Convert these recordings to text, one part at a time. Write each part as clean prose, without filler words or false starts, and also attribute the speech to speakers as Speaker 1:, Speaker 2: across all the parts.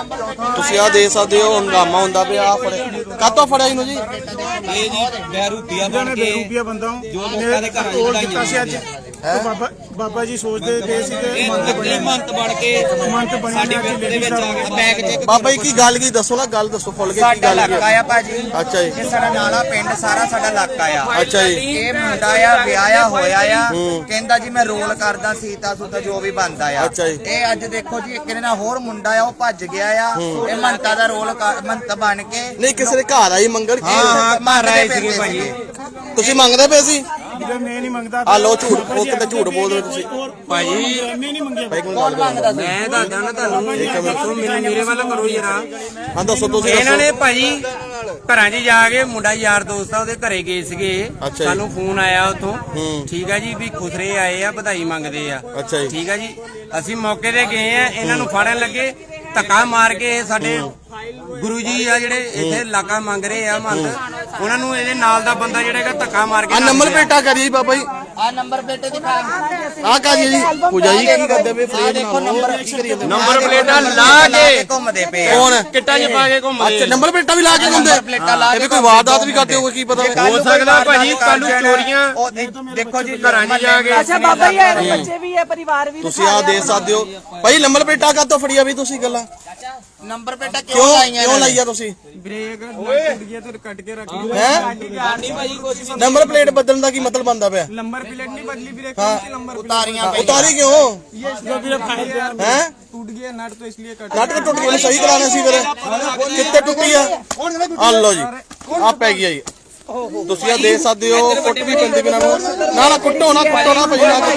Speaker 1: ਤੁਸੀਂ ਆ ਦੇਖ ਸਕਦੇ ਹੋ ਹੰਗਾਮਾ ਹੁੰਦਾ ਪਿਆ। ਆ ਫੜੇ ਕਾਤੋਂ ਫੜਿਆ ਇਹਨੂੰ ਜੀ?
Speaker 2: ਇਹ ਜੀ ਬਹਿਰੂਪੀਆ ਬਣ ਕੇ
Speaker 3: ਬੇਰੂਪੀਆ ਬੰਦਾ
Speaker 2: ਜੋ ਲੋਕਾਂ ਦੇ ਘਰਾਂ 'ਚ ਲੜਾਈਆਂ
Speaker 3: ਸੀ ਅੱਜ ਬਾਬਾ ਜੀ ਸੋਚਦੇ ਪਏ ਸੀ ਕਿ
Speaker 2: ਮੰਤ ਬਣ ਕੇ ਸਾਡੀ ਪਿੰਡ ਦੇ ਵਿੱਚ ਆ ਕੇ ਬੈਗ ਚੈੱਕ
Speaker 1: ਬਾਬਾ ਜੀ ਕੀ ਗੱਲ ਕੀ ਦੱਸੋ ਨਾ, ਗੱਲ ਦੱਸੋ ਫੁੱਲ ਕੇ ਕੀ
Speaker 4: ਸਾਡਾ
Speaker 1: ਗੱਲ
Speaker 4: ਇਲਾਕਾ ਆ ਭਾਜੀ।
Speaker 1: ਅੱਛਾ ਜੀ।
Speaker 4: ਇਹ ਸਾਡਾ ਨਾਲਾ ਪਿੰਡ ਸਾਰਾ ਸਾਡਾ ਇਲਾਕਾ ਆ।
Speaker 1: ਅੱਛਾ ਜੀ।
Speaker 4: ਇਹ ਮੁੰਡਾ ਆ ਵਿਆਹਿਆ ਹੋਇਆ ਆ, ਕਹਿੰਦਾ ਜੀ ਮੈਂ ਰੋਲ ਕਰਦਾ ਸੀਤਾ ਸੂਤਾ ਜੋ ਵੀ ਬਣਦਾ ਆ।
Speaker 1: ਅੱਛਾ ਜੀ।
Speaker 4: ਇਹ ਅੱਜ ਦੇਖੋ ਜੀ ਇੱਕ ਨਾਲ ਹੋਰ ਮੁੰਡਾ ਆ ਉਹ ਭੱਜ ਗਿਆ ਆ। ਇਹ ਮੰਤਾ ਦਾ ਰੋਲ ਮੰਤ ਬਣ ਕੇ
Speaker 1: ਨਹੀਂ ਕਿਸੇ ਦੇ ਘਰ ਆਈ ਮੰਗਣ ਕੀ
Speaker 4: ਘਰ ਆਏ ਸੀਗੇ ਭਾਜੀ।
Speaker 1: ਤੁਸੀਂ ਮੰਗਦੇ ਪਏ ਸੀ?
Speaker 3: ਮੈਂ ਨਹੀਂ ਮੰਗਦਾ।
Speaker 1: ਆ ਲੋ ਝੂਠ, ਉਹ ਕਿਤੇ ਝੂਠ ਬੋਲ ਰਹੇ ਤੁਸੀਂ
Speaker 2: ਭਾਜੀ।
Speaker 3: ਮੈਂ ਨਹੀਂ ਮੰਗਿਆ।
Speaker 1: ਭਾਈ ਕੋਲ ਗੱਲ ਕਰੋ।
Speaker 2: ਮੈਂ ਦੱਸਦਾ ਨਾ ਤੁਹਾਨੂੰ, ਦੱਸੋ ਮੇਰੇ ਵੱਲ ਕਰੋ ਜਰਾ।
Speaker 1: ਹਾਂ ਦੱਸੋ ਤੁਸੀਂ
Speaker 2: ਇਹਨਾਂ ਨੇ
Speaker 1: ਦੱਸੋ।
Speaker 2: ਭਾਜੀ ਘਰਾਂ 'ਚ ਜਾ ਕੇ ਮੁੰਡਾ ਯਾਰ ਦੋਸਤ ਆ ਉਹਦੇ ਘਰੇ ਗਏ ਸੀਗੇ।
Speaker 1: ਅੱਛਾ ਜੀ।
Speaker 2: ਸਾਨੂੰ ਫੋਨ ਆਇਆ ਉਥੋਂ, ਠੀਕ ਆ ਜੀ, ਵੀ ਖੁਸਰੇ ਆਏ ਆ ਵਧਾਈ ਮੰਗਦੇ ਆ।
Speaker 1: ਅੱਛਾ ਜੀ।
Speaker 2: ਠੀਕ ਆ ਜੀ। ਅਸੀਂ ਮੌਕੇ ਤੇ ਗਏ ਆ, ਇਹਨਾਂ ਨੂੰ ਫੜਨ ਲੱਗੇ, ਧੱਕਾ ਮਾਰ ਕੇ ਸਾਡੇ ਗੁਰੂ ਜੀ ਆ ਜਿਹੜੇ ਇੱਥੇ ਇਲਾਕਾ ਮੰਗ ਰਹੇ ਆ ਮੰਤ, ਉਹਨਾਂ ਨੂੰ ਇਹਦੇ ਨਾਲ ਦਾ ਬੰਦਾ ਜਿਹੜਾ ਹੈਗਾ ਧੱਕਾ ਮਾਰ ਕੇ
Speaker 1: ਆ ਨੰਬਰ ਪਲੇਟਾਂ ਕਰੀਏ ਬਾਬਾ ਜੀ।
Speaker 4: ਆ ਨੰਬਰ ਪਲੇਟ ਦਿਖਾ।
Speaker 1: ਆ ਕਰੀਏ ਜੀ ਪੂਜਾ ਜੀ ਕੀ ਕਰਦੇ ਪਏ?
Speaker 4: ਆ ਦੇਖੋ ਨੰਬਰ
Speaker 2: ਪਲੇਟਾਂ ਲਾ ਕੇ
Speaker 4: ਘੁੰਮਦੇ ਪਏ ਆ।
Speaker 1: ਕੌਣ?
Speaker 2: ਕਿੱਟਾਂ 'ਚ ਪਾ ਕੇ ਘੁੰਮਦੇ।
Speaker 1: ਅੱਛਾ ਨੰਬਰ ਪਲੇਟਾਂ ਵੀ ਲਾ ਕੇ ਘੁੰਮਦੇ?
Speaker 4: ਪਲੇਟਾਂ ਲਾ
Speaker 1: ਇਹ ਵੀ ਕੋਈ ਵਾਰਦਾਤ ਵੀ ਕਰਦੇ ਹੋਗੇ ਕੀ ਪਤਾ।
Speaker 2: ਹੋ ਸਕਦਾ ਭਾਜੀ ਕੱਲ ਨੂੰ ਚੋਰੀਆਂ
Speaker 4: ਉਹ ਦੇਖੋ ਜੀ
Speaker 2: ਘਰਾਂ 'ਚ ਜਾ ਕੇ।
Speaker 5: ਅੱਛਾ ਬਾਬਾ ਜੀ ਆਏ ਨੇ, ਬੱਚੇ ਵੀ ਹੈ, ਪਰਿਵਾਰ ਵੀ
Speaker 1: ਤੁਸੀਂ ਆ ਦੇਖ ਸਕਦੇ ਹੋ ਭਾਈ ਨੰਬਰ ਪਲੇਟਾਂ ਕਾਤੋਂ ਫੜੀਆਂ ਵੀ ਤੁਸੀਂ ਗੱਲਾਂ
Speaker 4: ਨੰਬਰ ਪਲੇਟਾਂ
Speaker 1: ਕਿਉਂ
Speaker 4: ਲਾਈਆਂ
Speaker 1: ਕਿਉਂ ਲਾਈਆ ਤੁਸੀਂ?
Speaker 3: ਬ੍ਰੇਕ ਟੁੱਟ ਗਿਆ ਤੇ ਕੱਟ ਕੇ ਰੱਖ ਲਿਆ।
Speaker 1: ਹੈ ਨੰਬਰ ਪਲੇਟ ਬਦਲਣ ਦਾ ਕੀ ਮਤਲਬ ਬਣਦਾ ਪਿਆ?
Speaker 3: ਨੰਬਰ ਪਲੇਟ ਨਹੀਂ ਬਦਲੀ ਵੀਰੇ, कौन सी नंबर
Speaker 4: ਉਤਾਰੀਆਂ
Speaker 1: ਉਤਾਰੀ ਕਿਉਂ?
Speaker 3: ये जो भी फाइल
Speaker 1: है
Speaker 3: टूट गया नट तो इसलिए कट।
Speaker 1: ਨਟ ਟੁੱਟ ਗਿਆ, ਸਹੀ ਕਰਾਣਾ ਸੀ ਫਿਰ। ਕਿੱਥੇ ਟੁੱਟੀ ਆ? ਆ ਲਓ ਜੀ ਆ ਪੈ ਗਿਆ ਜੀ। ਤੁਸੀਂ ਆ ਦੇਖ ਸਕਦੇ ਹੋ ਕੁੱਟ ਵੀ ਪੈਂਦੇ ਬਿਨਾਂ ਨੂੰ। ਨਾ ਕੁੱਟੋ ਨਾ ਭਾਈ ਨਾ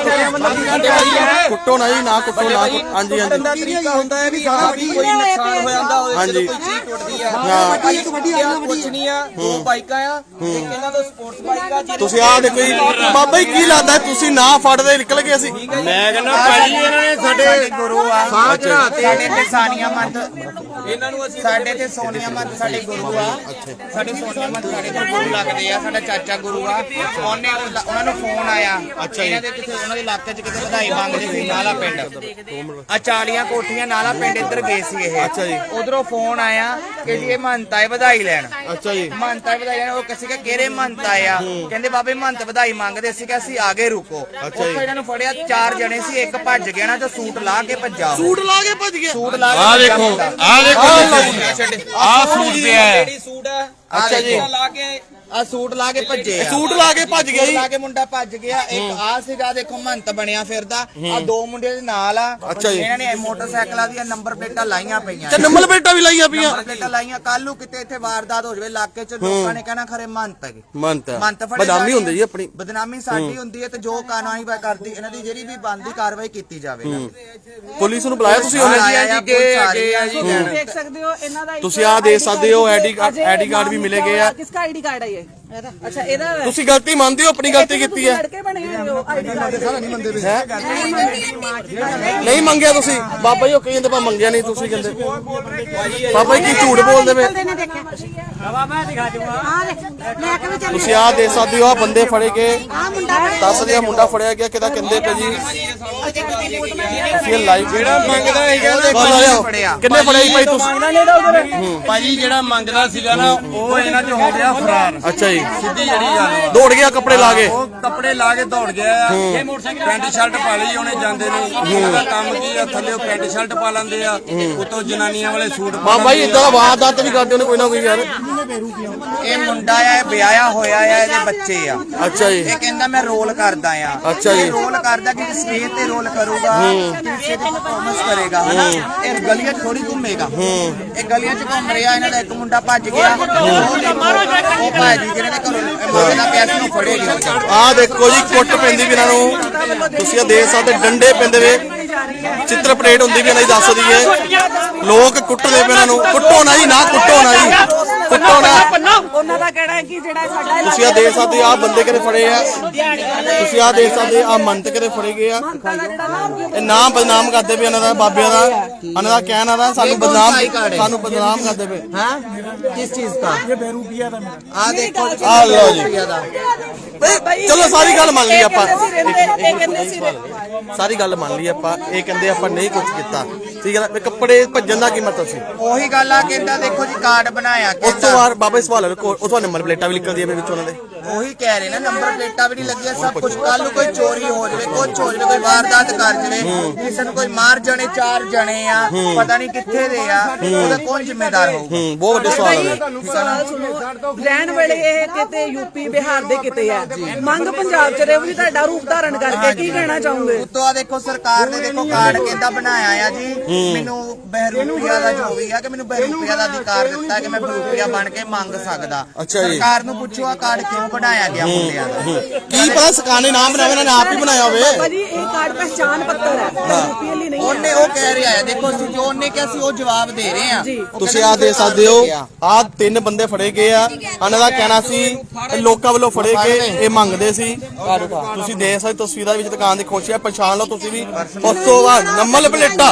Speaker 1: ਕੁੱਟੋ ਨਾ ਜੀ, ਨਾ ਕੁੱਟੋ ਨਾ। ਹਾਂਜੀ ਹਾਂਜੀ
Speaker 4: ਤਰੀਕਾ ਹੁੰਦਾ ਹੈ ਵੀ ਕੋਈ ਨੁਕਸਾਨ ਹੋ ਜਾਂਦਾ ਹੋਵੇ,
Speaker 1: ਹਾਂਜੀ।
Speaker 4: ਕੋਈ ਚੀਜ਼ ਟੁੱਟਦੀ ਆ।
Speaker 1: ਹਾਂ।
Speaker 4: ਕੁਛ ਨਹੀਂ ਆ, ਦੋ ਬਾਈਕਾਂ ਆ, ਇੱਕ ਇਹਨਾਂ ਦਾ ਸਪੋਰਟਸ ਬਾਈਕ ਆ।
Speaker 1: ਤੁਸੀਂ ਆ ਦੇਖੋ ਜੀ ਬਾਬਾ ਜੀ ਕੀ ਲੱਗਦਾ ਤੁਸੀਂ ਨਾ ਫੜਦੇ ਨਿਕਲ ਗਏ ਸੀ?
Speaker 2: ਮੈਂ ਕਹਿੰਦਾ ਭਾਜੀ ਇਹਨਾਂ ਨੇ
Speaker 4: ਸਾਡੇ ਗੁਰੂ ਆ, ਸਾਡੇ ਤੇ ਸਾਨੀਆ ਮੰਤ, ਇਹਨਾਂ ਨੂੰ ਅਸੀਂ ਸਾਡੇ ਤੇ ਸੋਨੀਆ ਮੰਤ ਸਾਡੇ ਗੁਰੂ ਆ। ਸਾਡੇ ਸੋਨੀਆ ਮੰਤ ਸਾਡੇ ਤੇ ਗੁਰੂ ਲੱਗਦੇ ਆ, ਸਾਡਾ ਚਾਚਾ ਗੁਰੂ ਆ। ਉਹਨਾਂ ਨੂੰ ਫੋਨ ਆਇਆ, ਇਹਨਾਂ ਦੇ ਕਿਤੇ ਉਹਨਾਂ ਦੇ ਇਲਾਕੇ 'ਚ ਕਿਤੇ ਵਧਾਈ ਮੰਗਦੇ ਸੀ ਨਾਲਾ ਪਿੰਡ। ਆ 40 ਕੋਠੀਆਂ ਨਾਲਾ ਪਿੰਡ ਇੱਧਰ ਗਏ ਸੀ ਇਹ।
Speaker 1: ਅੱਛਾ ਜੀ।
Speaker 4: ਉਧਰੋਂ ਫੋਨ ਆਇਆ ਕਿ ਜੀ ਇਹ ਮੰਤ ਆਏ ਵਧਾਈ ਲੈਣ।
Speaker 1: ਅੱਛਾ ਜੀ।
Speaker 4: ਮੰਤ ਆਏ ਵਧਾਈ ਲੈਣ। ਉਹ ਕਿਸੇ ਕਿ ਕਿਹੜੇ ਮੰਤ ਆਇਆ, ਕਹਿੰਦੇ ਬਾਬੇ ਮੰਤ ਵਧਾਈ ਮੰਗਦੇ ਸੀ ਕਿ ਅਸੀਂ ਆਗੇ ਰੁਕੋ। ਉੱਥੋਂ ਇਹਨਾਂ ਨੂੰ ਫੜਿਆ, 4 ਜਣੇ ਸੀ, ਇੱਕ ਭੱਜ ਗਿਆ ਨਾ ਤੇ ਸੂਟ ਲਾ ਕੇ ਭੱਜਾ।
Speaker 1: ਸੂਟ ਲਾ ਕੇ ਭੱਜ ਗਿਆ?
Speaker 4: ਸੂਟ ਲਾ ਕੇ
Speaker 2: ਆ ਦੇਖੋ ਆ ਸੂਟ ਪਿਆ ਹੈ।
Speaker 4: ਸੂਟ ਆ।
Speaker 1: ਅੱਛਾ ਜੀ।
Speaker 4: ਆ ਸੂਟ ਲਾ ਕੇ ਭੱਜੇ ਆ।
Speaker 1: ਸੂਟ ਲਾ ਕੇ ਭੱਜ ਗਿਆ
Speaker 4: ਸੂਟ
Speaker 1: ਜੀ?
Speaker 4: ਲਾ ਕੇ ਮੁੰਡਾ ਭੱਜ ਗਿਆ। ਇੱਕ ਆ ਸੀਗਾ ਦੇਖੋ ਮੰਤ ਬਣਿਆ ਫਿਰਦਾ। ਆ 2 ਮੁੰਡੇ ਦੇ ਨਾਲ ਆ।
Speaker 1: ਅੱਛਾ ਜੀ।
Speaker 4: ਇਹਨਾਂ ਨੇ ਮੋਟਰਸਾਈਕਲਾਂ ਦੀਆਂ ਨੰਬਰ ਪਲੇਟਾਂ ਲਾਈਆਂ ਪਈਆਂ।
Speaker 1: ਤੇ ਨੰਬਰ ਪਲੇਟਾਂ ਵੀ ਲਾਈਆਂ ਪਈਆਂ?
Speaker 4: ਨੰਬਰ ਪਲੇਟਾਂ ਲਾਈਆਂ। ਕੱਲ ਨੂੰ ਕਿਤੇ ਇੱਥੇ ਵਾਰਦਾਤ ਹੋ ਜਾਵੇ ਇਲਾਕੇ 'ਚ, ਲੋਕਾਂ ਨੇ ਕਹਿਣਾ ਖਰੇ ਮੰਤ ਹੈਗੇ।
Speaker 1: ਮੰਤ ਬਦਨਾਮੀ ਹੁੰਦੀ ਜੀ ਆਪਣੀ।
Speaker 4: ਬਦਨਾਮੀ ਸਾਡੀ ਹੁੰਦੀ ਹੈ ਤੇ ਜੋ ਕਾਨੂੰਨੀ ਕਰਦੀ ਇਹਨਾਂ ਦੀ ਜਿਹੜੀ ਵੀ ਬਣਦੀ ਕਾਰਵਾਈ ਕੀਤੀ ਜਾਵੇ।
Speaker 1: ਪੁਲਿਸ ਨੂੰ ਬੁਲਾਇਆ ਤੁਸੀਂ ਉਹਨੇ?
Speaker 5: देख सकते हो ਇਹਨਾਂ ਦਾ
Speaker 1: ਤੁਸੀਂ ਆ ਦੇਖ ਸਕਦੇ ਹੋ ਆਈਡੀ ਕਾਰਡ ਵੀ ਮਿਲੇ ਗਏ ਆ।
Speaker 5: किसका आईडी कार्ड है ये? अच्छा ਇਹਦਾ ਹੈ।
Speaker 1: ਤੁਸੀਂ ਗਲਤੀ ਮੰਨਦੇ ਹੋ ਆਪਣੀ ਗਲਤੀ ਕੀਤੀ ਹੈ?
Speaker 5: ਲੜਕੇ ਬਣੇ ਹੋਏ ਹੋ ਆईडी कार्ड
Speaker 1: ਨਹੀਂ ਮੰਗਿਆ ਤੁਸੀਂ? ਬਾਬਾ ਜੀ ਉਹ ਕਹਿੰਦੇ ਪਾ ਮੰਗਿਆ ਨਹੀਂ, ਤੁਸੀਂ ਕਹਿੰਦੇ ਬਾਬਾ ਜੀ ਕੀ ਝੂਠ ਬੋਲਦੇ ਪਏ? ਤੁਸੀਂ ਆ ਦੇਖ ਸਕਦੇ ਹੋ ਆ ਬੰਦੇ ਫੜੇ ਗਏ, ਦੱਸ ਰਿਹਾ ਮੁੰਡਾ ਫੜਿਆ ਗਿਆ ਕਿਹਦਾ ਕਹਿੰਦੇ ਪਏ ਜੀ। ਇਹ ਲਾਈਵ
Speaker 2: ਜਿਹੜਾ ਮੰਗਦਾ ਹੈਗਾ
Speaker 1: ਕਿੰਨੇ ਫੜੇ ਜੀ ਭਾਈ ਤੁਸੀਂ?
Speaker 2: ਭਾਜੀ ਜਿਹੜਾ ਮੰਗਦਾ ਸੀਗਾ ਨਾ ਉਹ ਇਹਨਾਂ 'ਚ ਹੋ ਗਿਆ ਫਰਾਰ।
Speaker 1: ਅੱਛਾ ਜੀ।
Speaker 2: ਸਿੱਧੀ ਜਿਹੜੀ ਗੱਲ ਵਾ।
Speaker 1: ਦੌੜ ਗਿਆ ਕੱਪੜੇ ਲਾ ਕੇ?
Speaker 2: ਉਹ ਕੱਪੜੇ ਲਾ ਕੇ ਦੌੜ ਗਿਆ। ਪੈਂਟ ਸ਼ਰਟ ਪਾ ਲਈ ਉਹਨੇ ਜਾਂਦੇ ਨੇ। ਉਹਦਾ ਕੰਮ ਕੀ ਆ, ਥੱਲੇ ਪੈਂਟ ਸ਼ਰਟ ਪਾ ਲੈਂਦੇ ਆ, ਉੱਤੋਂ ਜਨਾਨੀਆਂ ਵਾਲੇ ਸੂਟ ਪਾ
Speaker 1: ਬਾਬਾ ਜੀ ਇਦਾਂ ਦਾ ਵਾਰਦਾਤ ਵੀ ਕਰਦੇ ਉਹਨੇ ਕੋਈ ਨਾ ਕੋਈ ਯਾਰ।
Speaker 4: ਇਹ ਮੁੰਡਾ ਆ, ਵਿਆਹਿਆ ਹੋਇਆ ਆ, ਇਹਦੇ ਬੱਚੇ ਆ।
Speaker 1: ਅੱਛਾ ਜੀ।
Speaker 4: ਇਹ ਕਹਿੰਦਾ ਮੈਂ ਰੋਲ ਕਰਦਾ ਆ।
Speaker 1: ਅੱਛਾ ਜੀ।
Speaker 4: ਰੋਲ ਕਰਦਾ ਕਿ ਸਟੇਜ ਤੇ ਰੋਲ ਕਰੂਗਾ, ਕਿਸੇ ਦੀ ਪਰਫਾਰਮੈਂਸ ਕਰੇਗਾ ਹਨਾ। ਇਹ ਗਲੀਆਂ 'ਚ ਥੋੜੀ ਘੁੰਮੇਗਾ। ਇਹ ਗਲੀਆਂ 'ਚ ਘੁੰਮ ਰਿਹਾ। ਇਹਨਾਂ ਦਾ ਇੱਕ ਮੁੰਡਾ ਭੱਜ ਗਿਆ। ਉਹ ਭਾਜੀ ਜਿਹਨਾਂ ਦੇ ਘਰੋਂ ਮੰਗਦਾ ਪਿਆ ਸੀ ਨੂੰ ਫੜੇ ਗਏ।
Speaker 1: ਆ ਦੇਖੋ ਜੀ ਕੁੱਟ ਪੈਂਦੀ ਵੀ ਇਹਨਾਂ ਨੂੰ। ਤੁਸੀਂ ਆ ਦੇਖ ਸਕਦੇ ਡੰਡੇ ਪੈਂਦੇ ਵੇ, ਚਿੱਤਰ ਪਲੇਟ ਹੁੰਦੀ ਵੀ ਇਹਨਾਂ ਦੀ ਦੱਸ ਦਈਏ। ਲੋਕ ਕੁੱਟਦੇ ਪਏ ਇਹਨਾਂ ਨੂੰ। ਕੁੱਟੋ ਨਾ ਜੀ, ਨਾ ਕੁੱਟੋ ਨਾ ਜੀ।
Speaker 5: ਉਹਨਾਂ ਦਾ ਕਹਿਣਾ ਹੈ ਕਿ ਜਿਹੜਾ ਸਾਡਾ
Speaker 1: ਤੁਸੀਂ ਆ ਦੇਖ ਸਕਦੇ ਆ ਬੰਦੇ ਕਿਹੜੇ ਫੜੇ ਆ, ਤੁਸੀਂ ਆ ਦੇਖ ਸਕਦੇ ਆ ਮੰਤ ਕਿਹੜੇ ਫੜੇ ਗਏ ਆ। ਇਹ ਨਾਮ ਬਦਨਾਮ ਕਰਦੇ ਪਏ ਇਹਨਾਂ ਦਾ, ਬਾਬਿਆਂ ਦਾ, ਇਹਨਾਂ ਦਾ ਕਹਿਣਾ ਦਾ ਸਾਨੂੰ ਬਦਨਾਮ ਕਰਦੇ ਪਏ।
Speaker 4: हाँ किस चीज का?
Speaker 3: ਇਹ ਬੇਰੂਪੀਆ ਦਾ ਮੇਰਾ
Speaker 4: आ देखो
Speaker 1: ਆ ਲਓ ਜੀ, ਚਲੋ ਸਾਰੀ ਗੱਲ ਮੰਨ ਲਈ ਆਪਾਂ, ਸਾਰੀ ਗੱਲ ਮੰਨ ਲਈ ਆਪਾਂ। ਇਹ ਕਹਿੰਦੇ ਆਪਾਂ ਨਹੀਂ ਕੁਝ ਕੀਤਾ, ਠੀਕ ਹੈ ਨਾ। ਕੱਪੜੇ ਭੱਜਣ ਦਾ ਕੀ ਮਤਲਬ ਸੀ?
Speaker 4: ਉਹੀ ਗੱਲ ਆ ਕਹਿੰਦਾ ਦੇਖੋ ਜੀ ਕਾਰਡ ਬਣਾਇਆ
Speaker 1: ਉਸ ਤੋਂ ਬਾਅਦ ਬਾਬਾ ਸਵਾਲ ਉਹ ਤੋਂ ਨੰਬਰ ਪਲੇਟਾਂ ਵੀ ਨਿਕਲਦੀਆਂ ਪਈਆਂ ਵਿੱਚ ਉਹਨਾਂ ਦੇ।
Speaker 4: ਉਹੀ ਕਹਿ ਰਹੇ ਨਾ ਨੰਬਰ ਪਲੇਟਾਂ ਵੀ ਨਹੀਂ ਲੱਗੀਆਂ ਸਭ ਕੁਝ। ਕੱਲ ਨੂੰ ਕੋਈ ਚੋਰੀ ਹੋ ਜਾਵੇ, ਕੁਝ ਹੋ ਜਾਵੇ, ਕੋਈ ਵਾਰਦਾਤ ਕਰ ਜਾਵੇ, ਕਿਸੇ ਨੂੰ ਕੋਈ ਮਾਰ ਜਾਣੇ, 4 ਜਣੇ ਆ ਪਤਾ ਨਹੀਂ ਕਿੱਥੇ ਦੇ ਆ, ਉਹਦਾ ਕੌਣ ਜ਼ਿੰਮੇਦਾਰ ਹੋਊ?
Speaker 1: ਬਹੁਤ ਵੱਡੇ ਸਵਾਲ ਹੈ।
Speaker 5: ਸਵਾਲ ਸੁਣੋ, ਰਹਿਣ ਵੇਲੇ ਇਹ ਕਿਤੇ ਯੂਪੀ ਬਿਹਾਰ ਦੇ ਕਿਤੇ ਆ, ਮੰਗ ਪੰਜਾਬ ਚ ਰਹੇ ਵੀ ਤੁਹਾਡਾ ਰੂਪ ਧਾਰਨ ਕਰਕੇ ਕੀ ਕਹਿਣਾ ਚਾਹੋਗੇ?
Speaker 4: ਉਤੋਂ ਆ ਦੇਖੋ ਸਰਕਾਰ ਨੇ ਦੇਖੋ ਕਾਰਡ ਕਹਿੰਦਾ ਬਣਾਇਆ ਆ ਜੀ, ਮੈਨੂੰ ਬਹਿਰੂਪੀਆ ਦਾ ਜੋ ਵੀ ਆ ਕਿ ਮੈਨੂੰ ਬਹਿਰੂਪੀਆ ਦਾ ਅਧਿਕਾਰ ਦਿੱਤਾ ਕਿ ਮੈਂ ਬਹਿਰੂਪੀਆ ਬਣ ਕੇ ਮੰਗ ਸਕਦਾ।
Speaker 1: ਅੱਛਾ ਜੀ।
Speaker 4: ਸਰਕਾਰ ਨੂੰ ਪੁੱਛੋ ਆ ਕਾਰਡ ਕਿਉਂ ਬਣਾਇਆ ਗਿਆ ਮੁੰਡਿਆਂ ਦਾ?
Speaker 1: ਕੀ ਪਤਾ ਸਰਕਾਰ ਨੇ ਨਾਮ ਬਣਾਇਆ, ਇਹਨਾਂ ਨੇ ਆਪ ਹੀ ਬਣਾਇਆ ਹੋਵੇ।
Speaker 5: ਭਾਜੀ ਇਹ ਕਾਰਡ ਪਹਿਚਾਨ ਪੱਤਰ ਹੈ, ਯੂਪੀ ਲਈ ਨਹੀਂ ਹੈ।
Speaker 4: ਉਹਨੇ ਉਹ ਕਹਿ ਰਿਹਾ ਹੈ ਦੇਖੋ ਅਸੀਂ ਜੋ ਉਹਨੇ ਕਿਹਾ ਸੀ ਉਹ ਜਵਾਬ ਦੇ ਰਹੇ ਆ।
Speaker 1: ਤੁਸੀਂ ਆ ਦੇ ਸਕਦੇ ਹੋ, ਆ 3 ਬੰਦੇ ਫੜੇ ਗਏ ਆ। ਇਹਨਾਂ ਦਾ ਕਹਿਣਾ ਸੀ ਇਹ ਲੋਕਾਂ ਵੱਲੋਂ ਫੜੇ ਗਏ, ਇਹ ਮੰਗਦੇ ਸੀ। ਤੁਸੀਂ ਦੇਖ ਸਕਦੇ ਤਸਵੀਰਾਂ ਵਿੱਚ ਦੁਕਾਨ ਦੀ ਖੋਸ਼ਿਆ ਪਛਾਣ ਲਓ ਤੁਸੀਂ ਵੀ। ਉਸ ਤੋਂ ਬਾਅਦ ਨੰਬਰ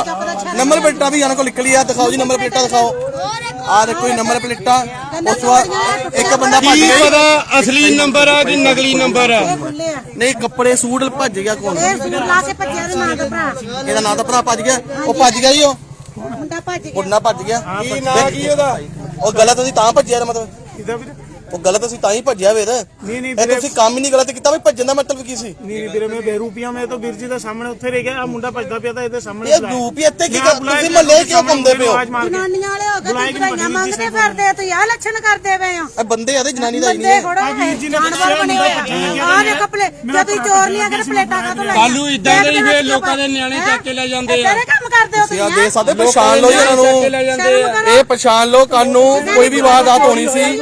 Speaker 1: ਪਲੇਟਾਂ ਵੀ ਇਹਨਾਂ ਕੋਲ ਨਿਕਲੀ ਆ, ਦਿਖਾਓ ਜੀ ਨੰਬਰ ਪਲੇਟਾਂ ਦਿਖਾਓ। ਆ ਦੇਖੋ ਜੀ ਨੰਬਰ ਪਲੇਟਾਂ। ਉਸ ਤੋਂ ਬਾਅਦ ਇੱਕ ਬੰਦਾ ਭੱਜ ਗਿਆ,
Speaker 2: ਅਸਲੀ ਨੰਬਰ ਆ ਕਿ ਨਕਲੀ ਨੰਬਰ ਆ?
Speaker 1: ਨਹੀਂ ਕੱਪੜੇ ਸੂਟ ਭੱਜ ਗਿਆ ਕੌਣ?
Speaker 6: ਲਾ ਕੇ ਭੱਜਿਆ ਦੇ ਨਾਂ ਦਾ ਭਰਾ,
Speaker 1: ਇਹਦਾ ਨਾਂ ਤਾਂ ਭਰਾ ਭੱਜ ਗਿਆ, ਉਹ ਭੱਜ ਗਿਆ ਜੀ,
Speaker 6: ਮੁੰਡਾ ਭੱਜ ਗਿਆ।
Speaker 1: ਮੁੰਡਾ ਭੱਜ ਗਿਆ।
Speaker 2: ਕੀ ਨਾਂ ਕੀ ਉਹਦਾ?
Speaker 1: ਉਹ ਗਲਤ ਅਸੀਂ ਤਾਂ ਭੱਜਿਆ ਇਹਦਾ ਮਤਲਬ,
Speaker 3: ਕਿਦਾਂ ਵੀਰੇ?
Speaker 1: ਉਹ ਗਲਤ ਅਸੀਂ ਤਾਂ ਹੀ ਭੱਜਿਆ ਵੀਰ।
Speaker 3: ਨਹੀਂ
Speaker 1: ਇਹ
Speaker 3: ਵੀਰੇ,
Speaker 1: ਤੁਸੀਂ ਕੰਮ ਹੀ ਨਹੀਂ ਗਲਤ ਕੀਤਾ, ਵੀ ਭੱਜਣ ਦਾ ਮਤਲਬ ਕੀ ਸੀ?
Speaker 3: ਨਹੀਂ ਵੀਰੇ ਮੈਂ ਬੇਰੂਪੀਆ ਮੈਂ ਤਾਂ ਵੀਰ ਜੀ ਦੇ ਸਾਹਮਣੇ ਉੱਥੇ ਰਹਿ ਗਿਆ। ਆ ਮੁੰਡਾ ਭੱਜਦਾ ਪਿਆ ਤਾਂ ਇਹਦੇ ਸਾਹਮਣੇ
Speaker 1: ਇਹ ਰੂਪ ਹੀ ਇੱਥੇ ਕੀ ਕਰ, ਤੁਸੀਂ ਮਹੱਲੇ ਕਿਉਂ ਘੁੰਮਦੇ ਪਏ ਹੋ?
Speaker 6: ਜਨਾਨੀਆਂ ਵਾਲੇ ਹੋ ਕੇ ਦਵਾਈਆਂ ਮੰਗਦੇ ਫਿਰਦੇ ਆ, ਤੁਸੀਂ ਆਹ ਲੱਛਣ ਕਰਦੇ ਪਏ ਹੋ।
Speaker 1: ਇਹ ਬੰਦੇ ਆ ਤੇ ਜਨਾਨੀ ਦਾ ਹੀ
Speaker 6: ਬੰਦੇ
Speaker 1: ਨਹੀਂ।
Speaker 6: ਖੜੋ ਜਾਨਵਰ ਬਣੇ ਹੋਏ ਆ। ਆਹ ਦੇਖੋ ਜੇ ਤੁਸੀਂ ਚੋਰ ਨਹੀਂ ਅਗਰ ਪਲੇਟਾਂ ਕਾਹਤੋਂ ਲਾਈਆਂ?
Speaker 2: ਕੱਲੂ ਇਦਾਂ ਦੇ ਹੀ ਫੇਰ ਲੋਕਾਂ ਦੇ ਨਿਆਣੇ ਚੱਕ ਕੇ ਲੈ ਜਾਂਦੇ ਆ।
Speaker 6: ਕਿਹੜੇ ਕੰਮ ਕਰਦੇ ਹੋ
Speaker 1: ਤੁਸੀਂ ਆ
Speaker 6: ਤੁਸੀਂ?
Speaker 1: ਦੇ ਸਕਦੇ, ਪਛਾਣ ਲਓ ਜੀ ਇਹਨਾਂ ਨੂੰ, ਇਹ ਪਛਾਣ ਲਓ। ਕੱਲ ਨੂੰ ਕੋਈ ਵੀ ਵਾਰਦਾਤ ਹੋਣੀ ਸੀ।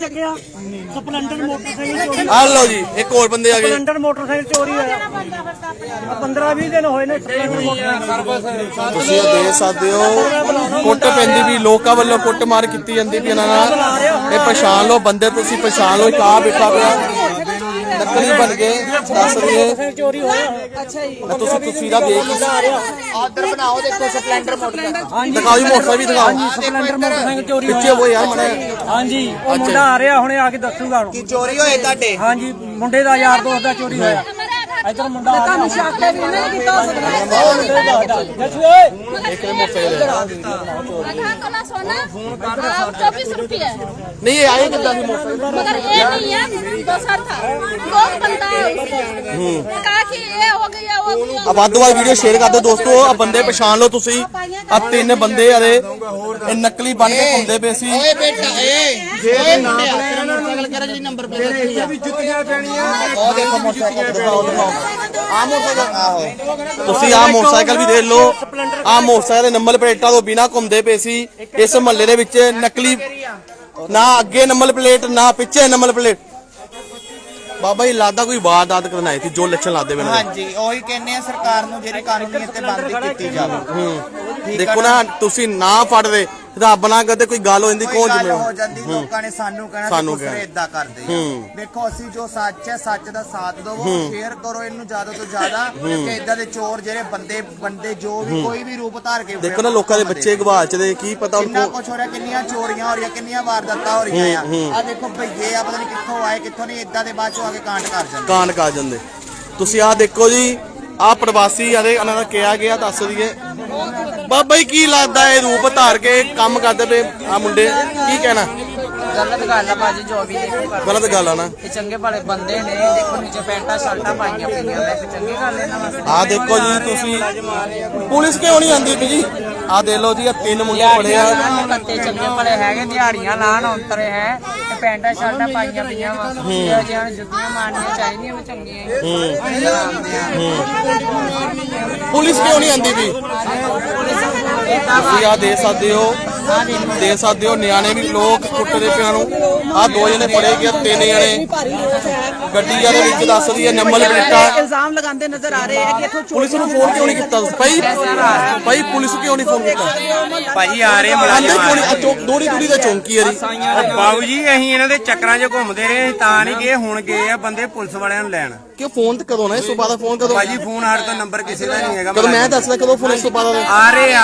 Speaker 3: ਸਪਲੈਂਡਰ ਮੋਟਰਸਾਈਕਲ ਚੋਰੀ,
Speaker 1: ਆ ਲਓ ਜੀ ਇੱਕ ਹੋਰ ਬੰਦੇ ਆ ਗਏ।
Speaker 3: ਸਪਲੈਂਡਰ ਮੋਟਰਸਾਈਕਲ ਚੋਰੀ ਹੋਇਆ। 15-20 ਦਿਨ ਹੋਏ ਨੇ ਸਪਲੈਂਡਰ ਮੋਟਰਸਾਈਕਲ।
Speaker 1: ਤੁਸੀਂ ਇਹ ਦੇਖ ਸਕਦੇ ਹੋ ਕੁੱਟ ਪੈਂਦੀ ਵੀ, ਲੋਕਾਂ ਵੱਲੋਂ ਕੁੱਟ ਮਾਰ ਕੀਤੀ ਜਾਂਦੀ ਵੀ ਇਹਨਾਂ ਨਾਲ। ਇਹ ਪਛਾਣ ਲਓ ਬੰਦੇ, ਤੁਸੀਂ ਪਛਾਣ ਲਓ। ਇੱਕ ਆ ਬੈਠਾ ਪਿਆ ਨਕਲੀ ਬਣ ਗਏ ਦੱਸ ਰਹੇ।
Speaker 3: ਚੋਰੀ ਹੋਇਆ।
Speaker 5: ਅੱਛਾ ਜੀ,
Speaker 1: ਤੁਸੀਂ ਤਸਵੀਰਾਂ ਦੇਖ
Speaker 4: ਆਰਡਰ ਬਣਾਓ ਦੇਖੋ ਸਪਲੈਂਡਰ ਮੋਟਰਸਾਈਕਲ
Speaker 1: ਦਿਖਾਓ ਜੀ, ਮੋਟਰਸਾਈਕਲ ਵੀ ਦਿਖਾਓ।
Speaker 3: ਸਪਲੈਂਡਰ ਮੋਟਰਸਾਈਕਲ ਚੋਰੀ
Speaker 1: ਪਿੱਛੇ ਉਹ ਯਾਰ ਮੜਾ।
Speaker 3: ਹਾਂਜੀ ਉਹ ਮੁੰਡਾ ਆ ਰਿਹਾ ਹੁਣੇ ਆ ਕੇ ਦੱਸੂਗਾ ਹੁਣ।
Speaker 4: ਕੀ ਚੋਰੀ ਹੋਏ ਤੁਹਾਡੇ?
Speaker 3: ਹਾਂਜੀ ਮੁੰਡੇ ਦਾ ਯਾਰ ਦੋਸਤ ਦਾ ਚੋਰੀ ਹੋਇਆ। ਇਧਰ ਮੁੰਡਾ ਆ
Speaker 5: ਤੁਹਾਨੂੰ ਸ਼ੱਕ ਹੈ ਵੀ ਇਹਨਾਂ ਨੇ ਕੀਤਾ ਹੋ ਸਕਦਾ ਹੈ।
Speaker 1: ਇੱਕ ਮੋਟਰਸਾਈਕਲ
Speaker 7: काला सोना 24 रुपये
Speaker 1: ਨਹੀਂ ਇਹ ਆਏ ਕਿੱਦਾਂ ਸੀ ਮੋਟਰਸਾਈਕਲ?
Speaker 7: मगर ये नहीं है दोसर था लोग बनता है कहा कि ये हो गया वो हो गया।
Speaker 1: ਆ ਵੱਧ ਤੋਂ ਵੱਧ ਵੀਡੀਓ ਸ਼ੇਅਰ ਕਰ ਦਿਓ ਦੋਸਤੋ। ਆ ਬੰਦੇ ਪਛਾਣ ਲਓ ਤੁਸੀਂ। ਆ 3 ਬੰਦੇ ਅਰੇ ਇਹ ਨਕਲੀ ਬਣ ਕੇ ਘੁੰਮਦੇ ਪਏ ਸੀ।
Speaker 4: ਓਏ ਬੇਟਾ ਏ ਨਾਮ ਮੋਟਰਸਾਈਕਲ ਕਰ ਜਿਹੜੀ ਨੰਬਰ ਪਲੇਟ ਲਿਖੀ ਆ।
Speaker 2: ਜੁੱਤੀਆਂ ਪੈਣੀਆਂ।
Speaker 4: ਉਹ ਦੇਖੋ ਮੋਟਰਸਾਈਕਲ ਦਿਖਾਓ
Speaker 1: ਆ ਮੋਟਰਸਾਈਕਲ ਆਹੋ ਤੁਸੀਂ ਆ ਮੋਟਰਸਾਈਕਲ ਵੀ ਦੇਖ ਲਓ। ਆ ਮੋਟਰਸਾਈਕਲ ਦੇ ਨੰਬਰ ਪਲੇਟਾਂ ਤੋਂ ਬਿਨਾ ਘੁੰਮਦੇ ਪਏ ਸੀ ਇਸ ਮਹੱਲੇ ਦੇ ਵਿੱਚ। ਨਕਲੀ ਨਾ ਅੱਗੇ ਨੰਬਰ ਪਲੇਟ ਨਾ ਪਿੱਛੇ ਨੰਬਰ ਪਲੇਟ। ਬਾਬਾ ਜੀ ਲੱਗਦਾ ਕੋਈ ਵਾਰਦਾਤ ਕਰਨ ਆਏ ਸੀ ਜੋ ਲੱਛਣ ਲਾਦੇ ਵੇ।
Speaker 4: ਹਾਂਜੀ ਉਹੀ ਕਹਿੰਦੇ ਆ ਸਰਕਾਰ ਨੂੰ ਜਿਹੜੀ ਕਾਨੂੰਨੀ ਤੇ ਬੰਦੀ ਕੀਤੀ ਜਾਵੇ।
Speaker 1: ਦੇਖੋ ਨਾ ਤੁਸੀਂ ਨਾ ਫੜਦੇ ਰੱਬ ਨਾ ਕਰਦੇ ਕੋਈ ਗੱਲ ਹੋ ਜਾਂਦੀ ਕੌਣ
Speaker 4: ਗੱਲ
Speaker 1: ਜ਼ਿੰਮੇਵਾਰ?
Speaker 4: ਹੋ ਜਾਂਦੀ ਲੋਕਾਂ ਨੇ ਸਾਨੂੰ ਕਹਿਣਾ
Speaker 1: ਸਾਨੂੰ
Speaker 4: ਤੁਸੀਂ ਇਦਾਂ ਕਰਦੇ ਆ। ਦੇਖੋ ਅਸੀਂ ਜੋ ਸੱਚ ਹੈ ਸੱਚ ਦਾ ਸਾਥ ਦਵੋ, ਸ਼ੇਅਰ ਕਰੋ ਇਹਨੂੰ ਜ਼ਿਆਦਾ ਤੋਂ ਜ਼ਿਆਦਾ ਕਿ ਇਦਾਂ ਦੇ ਚੋਰ ਜਿਹੜੇ ਬੰਦੇ ਜੋ ਵੀ ਕੋਈ ਵੀ ਰੂਪ ਧਾਰ ਕੇ
Speaker 1: ਦੇਖੋ ਨਾ ਲੋਕਾਂ ਦੇ ਬੱਚੇ ਗਵਾਚ ਦੇ ਕੀ ਪਤਾ
Speaker 4: ਕਿੰਨਾ
Speaker 1: ਉਹਨੂੰ।
Speaker 4: ਕੁਛ ਹੋ ਰਿਹਾ, ਕਿੰਨੀਆਂ ਚੋਰੀਆਂ ਹੋ ਰਹੀਆਂ, ਕਿੰਨੀਆਂ ਵਾਰਦਾਤਾਂ ਹੋ ਰਹੀਆਂ ਆ। ਆ ਦੇਖੋ ਭਈਏ ਆ ਪਤਾ ਨਹੀਂ ਕਿੱਥੋਂ ਆਏ ਕਿੱਥੋਂ ਨਹੀਂ, ਇਦਾਂ ਦੇ ਬਾਅਦ ਚੋਂ ਆ ਕੇ ਕਾਂਡ ਕਰ ਜਾਂਦੇ।
Speaker 1: ਕਾਂਡ ਕਰ ਜਾਂਦੇ। ਤੁਸੀਂ ਆ ਦੇਖੋ ਜੀ ਆ ਪ੍ਰਵਾਸੀ ਆਦੇ ਇਹਨਾਂ ਦਾ ਕਿਹਾ ਗਿਆ ਦੱਸ ਦਈਏ। ਬਾਬਾ ਜੀ ਕੀ ਲੱਗਦਾ ਇਹ ਰੂਪ ਧਾਰ ਕੇ ਕੰਮ ਕਰਦੇ ਪਏ ਆ ਮੁੰਡੇ, ਕੀ ਕਹਿਣਾ?
Speaker 8: ਗਲਤ ਗੱਲ ਆ ਭਾਜੀ ਜੋ ਵੀ ਦੇਖੋ
Speaker 1: ਗਲਤ ਗੱਲ ਆ ਨਾ।
Speaker 8: ਇਹ ਚੰਗੇ ਭਲੇ ਬੰਦੇ ਨੇ ਦੇਖੋ ਨੀਚੇ ਪੈਂਟਾਂ ਸ਼ਰਟਾਂ ਪਾਈਆਂ ਪਈਆਂ ਨੇ ਤੇ ਚੰਗੀ ਗੱਲ ਇਹਨਾਂ ਵਾਸਤੇ।
Speaker 1: ਆ ਦੇਖੋ ਜੀ ਤੁਸੀਂ ਪੁਲਿਸ ਕਿਉਂ ਨਹੀਂ ਆਉਂਦੀ ਪਈ ਜੀ? ਆ ਦੇਖ ਲਓ ਜੀ ਆ 3 ਮੁੰਡੇ ਫੜੇ ਆ।
Speaker 8: ਕੱਤੇ ਚੰਗੇ ਭਲੇ ਹੈਗੇ ਦਿਹਾੜੀਆਂ ਲਾਣ ਔਂਤਰੇ ਹੈ ਤੇ ਪੈਂਟਾਂ ਸ਼ਰਟਾਂ ਪਾਈਆਂ ਪਈਆਂ ਵਾ ਇਹ ਜਿਹਾਂ ਜੁੱਤੀਆਂ ਮਾਰਨੀਆਂ ਚਾਹੀਦੀਆਂ ਵਾ ਚੰਗੀਆਂ
Speaker 1: ਪੁਲਿਸ ਕਿਉਂ ਨਹੀਂ ਆਉਂਦੀ ਪਈ? ਤੁਸੀਂ ਆ ਦੇ ਸਕਦੇ ਹੋ ਨਿਆਣੇ ਵੀ ਲੋਕ ਕੁੱਟਦੇ ਪਿਆ ਨੂੰ। ਆ 2 ਜਣੇ ਫੜੇ ਗਏ, 3 ਜਣੇ ਗੱਡੀਆਂ ਦੇ ਵਿੱਚ ਦੱਸਦੀ ਹੈ ਨੰਬਰ ਪਲੇਟਾਂ।
Speaker 5: ਇਲਜ਼ਾਮ ਲਗਾਉਂਦੇ ਨਜ਼ਰ ਆ ਰਹੇ ਆ ਕਿ ਇੱਥੋਂ
Speaker 1: ਪੁਲਿਸ ਨੂੰ ਫੋਨ ਕਿਉਂ ਨਹੀਂ ਕੀਤਾ ਭਾਈ ਪੁਲਿਸ ਕਿਉਂ ਨਹੀਂ ਫੋਨ ਕੀਤਾ
Speaker 2: ਭਾਜੀ ਆ ਰਹੇ
Speaker 1: ਆਂਦੇ
Speaker 2: ਮੁਲਾਜ਼ਮ
Speaker 1: ਕਿਉਂ ਨਹੀਂ? ਦੋੜੀ ਦੂੜੀ ਦਾ ਚੌਂਕੀ ਹੈ ਜੀ।
Speaker 2: ਬਾਬੂ ਜੀ ਅਸੀਂ ਇਹਨਾਂ ਦੇ ਚੱਕਰਾਂ 'ਚ ਘੁੰਮਦੇ ਰਹੇ ਤਾਂ ਨਹੀਂ ਗਏ, ਹੁਣ ਗਏ ਆ ਬੰਦੇ ਪੁਲਿਸ ਵਾਲਿਆਂ ਨੂੰ ਲੈਣ।
Speaker 1: ਕਿ ਫੋਨ ਤੇ ਕਦੋਂ ਨਾ ਇਸ ਤੋਂ ਬਾਅਦ ਫੋਨ ਕਦੋਂ?
Speaker 2: ਭਾਜੀ ਫੋਨ ਸਾਡੇ ਤੋਂ ਨੰਬਰ ਕਿਸੇ ਦਾ ਨਹੀਂ ਹੈਗਾ।
Speaker 1: ਕਦੋਂ ਮੈਂ ਦੱਸਦਾ ਕਦੋਂ ਫੋਨ ਇਸ ਤੋਂ ਬਾਅਦ
Speaker 2: ਆ ਰਹੇ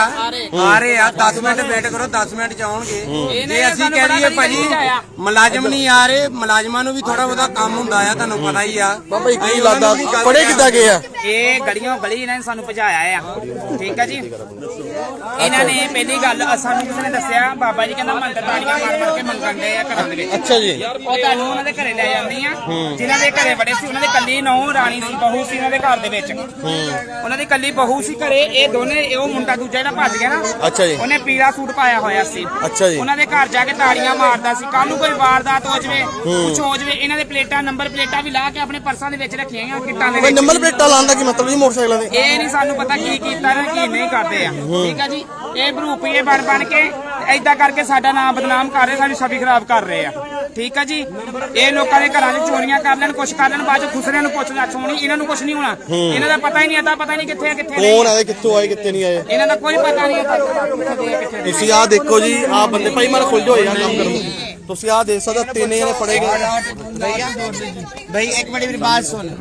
Speaker 2: ਆ 10 ਮਿੰਟ ਵੇਟ ਕਰੋ, 10 ਮਿੰਟ ਚ ਆਉਣਗੇ। ਜੇ ਅਸੀਂ ਕਹਿ ਦਈਏ ਭਾਜੀ ਮੁਲਾਜ਼ਮ ਨਹੀਂ ਆ ਰਹੇ, ਮੁਲਾਜ਼ਮਾਂ ਨੂੰ ਵੀ ਥੋੜਾ ਬਹੁਤਾ ਕੰਮ ਹੁੰਦਾ ਆ, ਤੁਹਾਨੂੰ ਪਤਾ ਹੀ ਆ।
Speaker 1: ਬਾਬਾ ਕੀ ਲੱਗਦਾ ਫੜੇ ਕਿੱਦਾਂ ਗਏ ਆ?
Speaker 8: ਇਹ ਗਲੀਆਂ ਗਲੀ ਇਹਨਾਂ ਨੇ ਸਾਨੂੰ ਭਜਾਇਆ ਆ, ਠੀਕ ਆ ਜੀ। ਇਹਨਾਂ ਨੇ ਪਹਿਲੀ ਗੱਲ ਸਾਨੂੰ ਕਿਸੇ ਨੇ ਦੱਸਿਆ, ਬਾਬਾ ਜੀ ਕਹਿੰਦਾ ਮੰਦਰ ਤਾੜੀਆਂ ਮਾਰ ਕੇ ਮੰਗਣ ਦੇ ਆ ਘਰਾਂ ਦੇ ਵਿੱਚ।
Speaker 1: ਅੱਛਾ ਜੀ।
Speaker 8: ਉਹ ਤੁਹਾਨੂੰ ਉਹਨਾਂ ਦੇ ਘਰੇ ਲੈ ਜਾਂਦੀ ਆ, ਜਿਨ੍ਹਾਂ ਦੇ ਘਰੇ ਬੜੇ ਸੀ ਉਹਨਾਂ ਦੇ ਕੱਲੀ ਨੌ ਰਾਣੀ ਸੀ, ਬਹੂ ਸੀ ਉਹਨਾਂ ਦੇ ਘਰ ਦੇ ਵਿੱਚ। ਉਹਨਾਂ ਦੀ ਕੱਲੀ ਬਹੂ ਸੀ ਘਰੇ। ਇਹ ਦੋਨੇ ਉਹ ਮੁੰਡਾ ਦੂਜਾ ਜਿਹੜਾ ਭੱਜ ਗਿਆ ਨਾ,
Speaker 1: ਅੱਛਾ ਜੀ।
Speaker 8: ਉਹਨੇ ਪੀਲਾ ਸੂਟ ਪਾਇਆ ਹੋਇਆ ਸੀ।
Speaker 1: ਅੱਛਾ ਜੀ।
Speaker 8: ਉਹਨਾਂ ਦੇ ਘਰ ਜਾ ਕੇ ਤਾੜੀਆਂ ਮਾਰਦਾ ਸੀ। ਕੱਲ ਨੂੰ ਕੋਈ ਵਾਰਦਾਤ ਹੋ ਜਵੇ, ਕੁਝ ਹੋ ਜਵੇ, ਇਹਨਾਂ ਦੇ ਪਲੇਟਾਂ ਨੰਬਰ ਪਲੇਟਾਂ ਵੀ ਲਾ ਕੇ ਆਪਣੇ ਪਰਸਾਂ ਦੇ ਵਿੱਚ ਰੱਖੀਆਂ ਆ, ਕਿੱਟਾਂ ਦੇ
Speaker 1: ਕੋਈ
Speaker 8: ਵਿੱਚ।
Speaker 1: ਨੰਬਰ ਪਲੇਟਾਂ ਲਾਉਣ ਦਾ ਕੀ ਮਤਲਬ ਜੀ ਮੋਟਰਸਾਈਕਲਾਂ ਦੇ?
Speaker 8: ਇਹ ਨਹੀਂ ਸਾਨੂੰ ਪਤਾ ਕੀ ਕੀਤਾ ਨਾ ਕੀ ਨਹੀਂ ਕਰਦੇ ਆ, ਠੀਕ ਆ ਜੀ। ਇਹ ਭਰੂਪੀਏ ਬਣ ਕੇ ਏਦਾਂ ਕਰਕੇ ਸਾਡਾ ਨਾਮ ਬਦਨਾਮ ਕਰ ਰਹੇ, ਸਾਡੀ ਛਵੀ ਖਰਾਬ ਕਰ ਰਹੇ ਆ, ਠੀਕ ਆ ਜੀ। ਇਹ ਲੋਕਾਂ ਦੇ ਘਰਾਂ 'ਚ ਚੋਰੀਆਂ ਕਰ ਲੈਣ, ਕੁਛ ਕਰ ਲੈਣ, ਬਾਅਦ 'ਚ ਖੁਸਰਿਆਂ ਨੂੰ ਪੁੱਛ ਲੱਛ ਹੋਣੀ, ਇਹਨਾਂ ਨੂੰ ਕੁਛ ਨਹੀਂ ਹੋਣਾ। ਇਹਨਾਂ ਦਾ ਪਤਾ ਹੀ ਨਹੀਂ, ਏਦਾਂ ਪਤਾ ਨਹੀਂ ਕਿੱਥੇ ਆ ਕਿੱਥੇ ਨਹੀਂ।
Speaker 1: ਕੌਣ ਆਏ, ਕਿੱਥੋਂ ਆਏ, ਕਿੱਥੇ ਨਹੀਂ ਆਏ,
Speaker 8: ਇਹਨਾਂ ਦਾ ਕੋਈ ਪਤਾ ਨਹੀਂ ਕਿੱਥੇ।
Speaker 1: ਤੁਸੀਂ ਆਹ ਦੇਖੋ ਜੀ, ਆਹ ਬੰਦੇ ਭਾਈ ਮਾਰ ਖੁੱਲ ਜਾਓ ਯਾਰ ਕੰਮ ਕਰੋ। ਤੁਸੀਂ ਆਹ ਦੇਖ ਸਕਦੇ 3 ਜਣੇ ਫੜੇ ਗਏ।
Speaker 4: भाई एक मिनट मेरी बात सुन,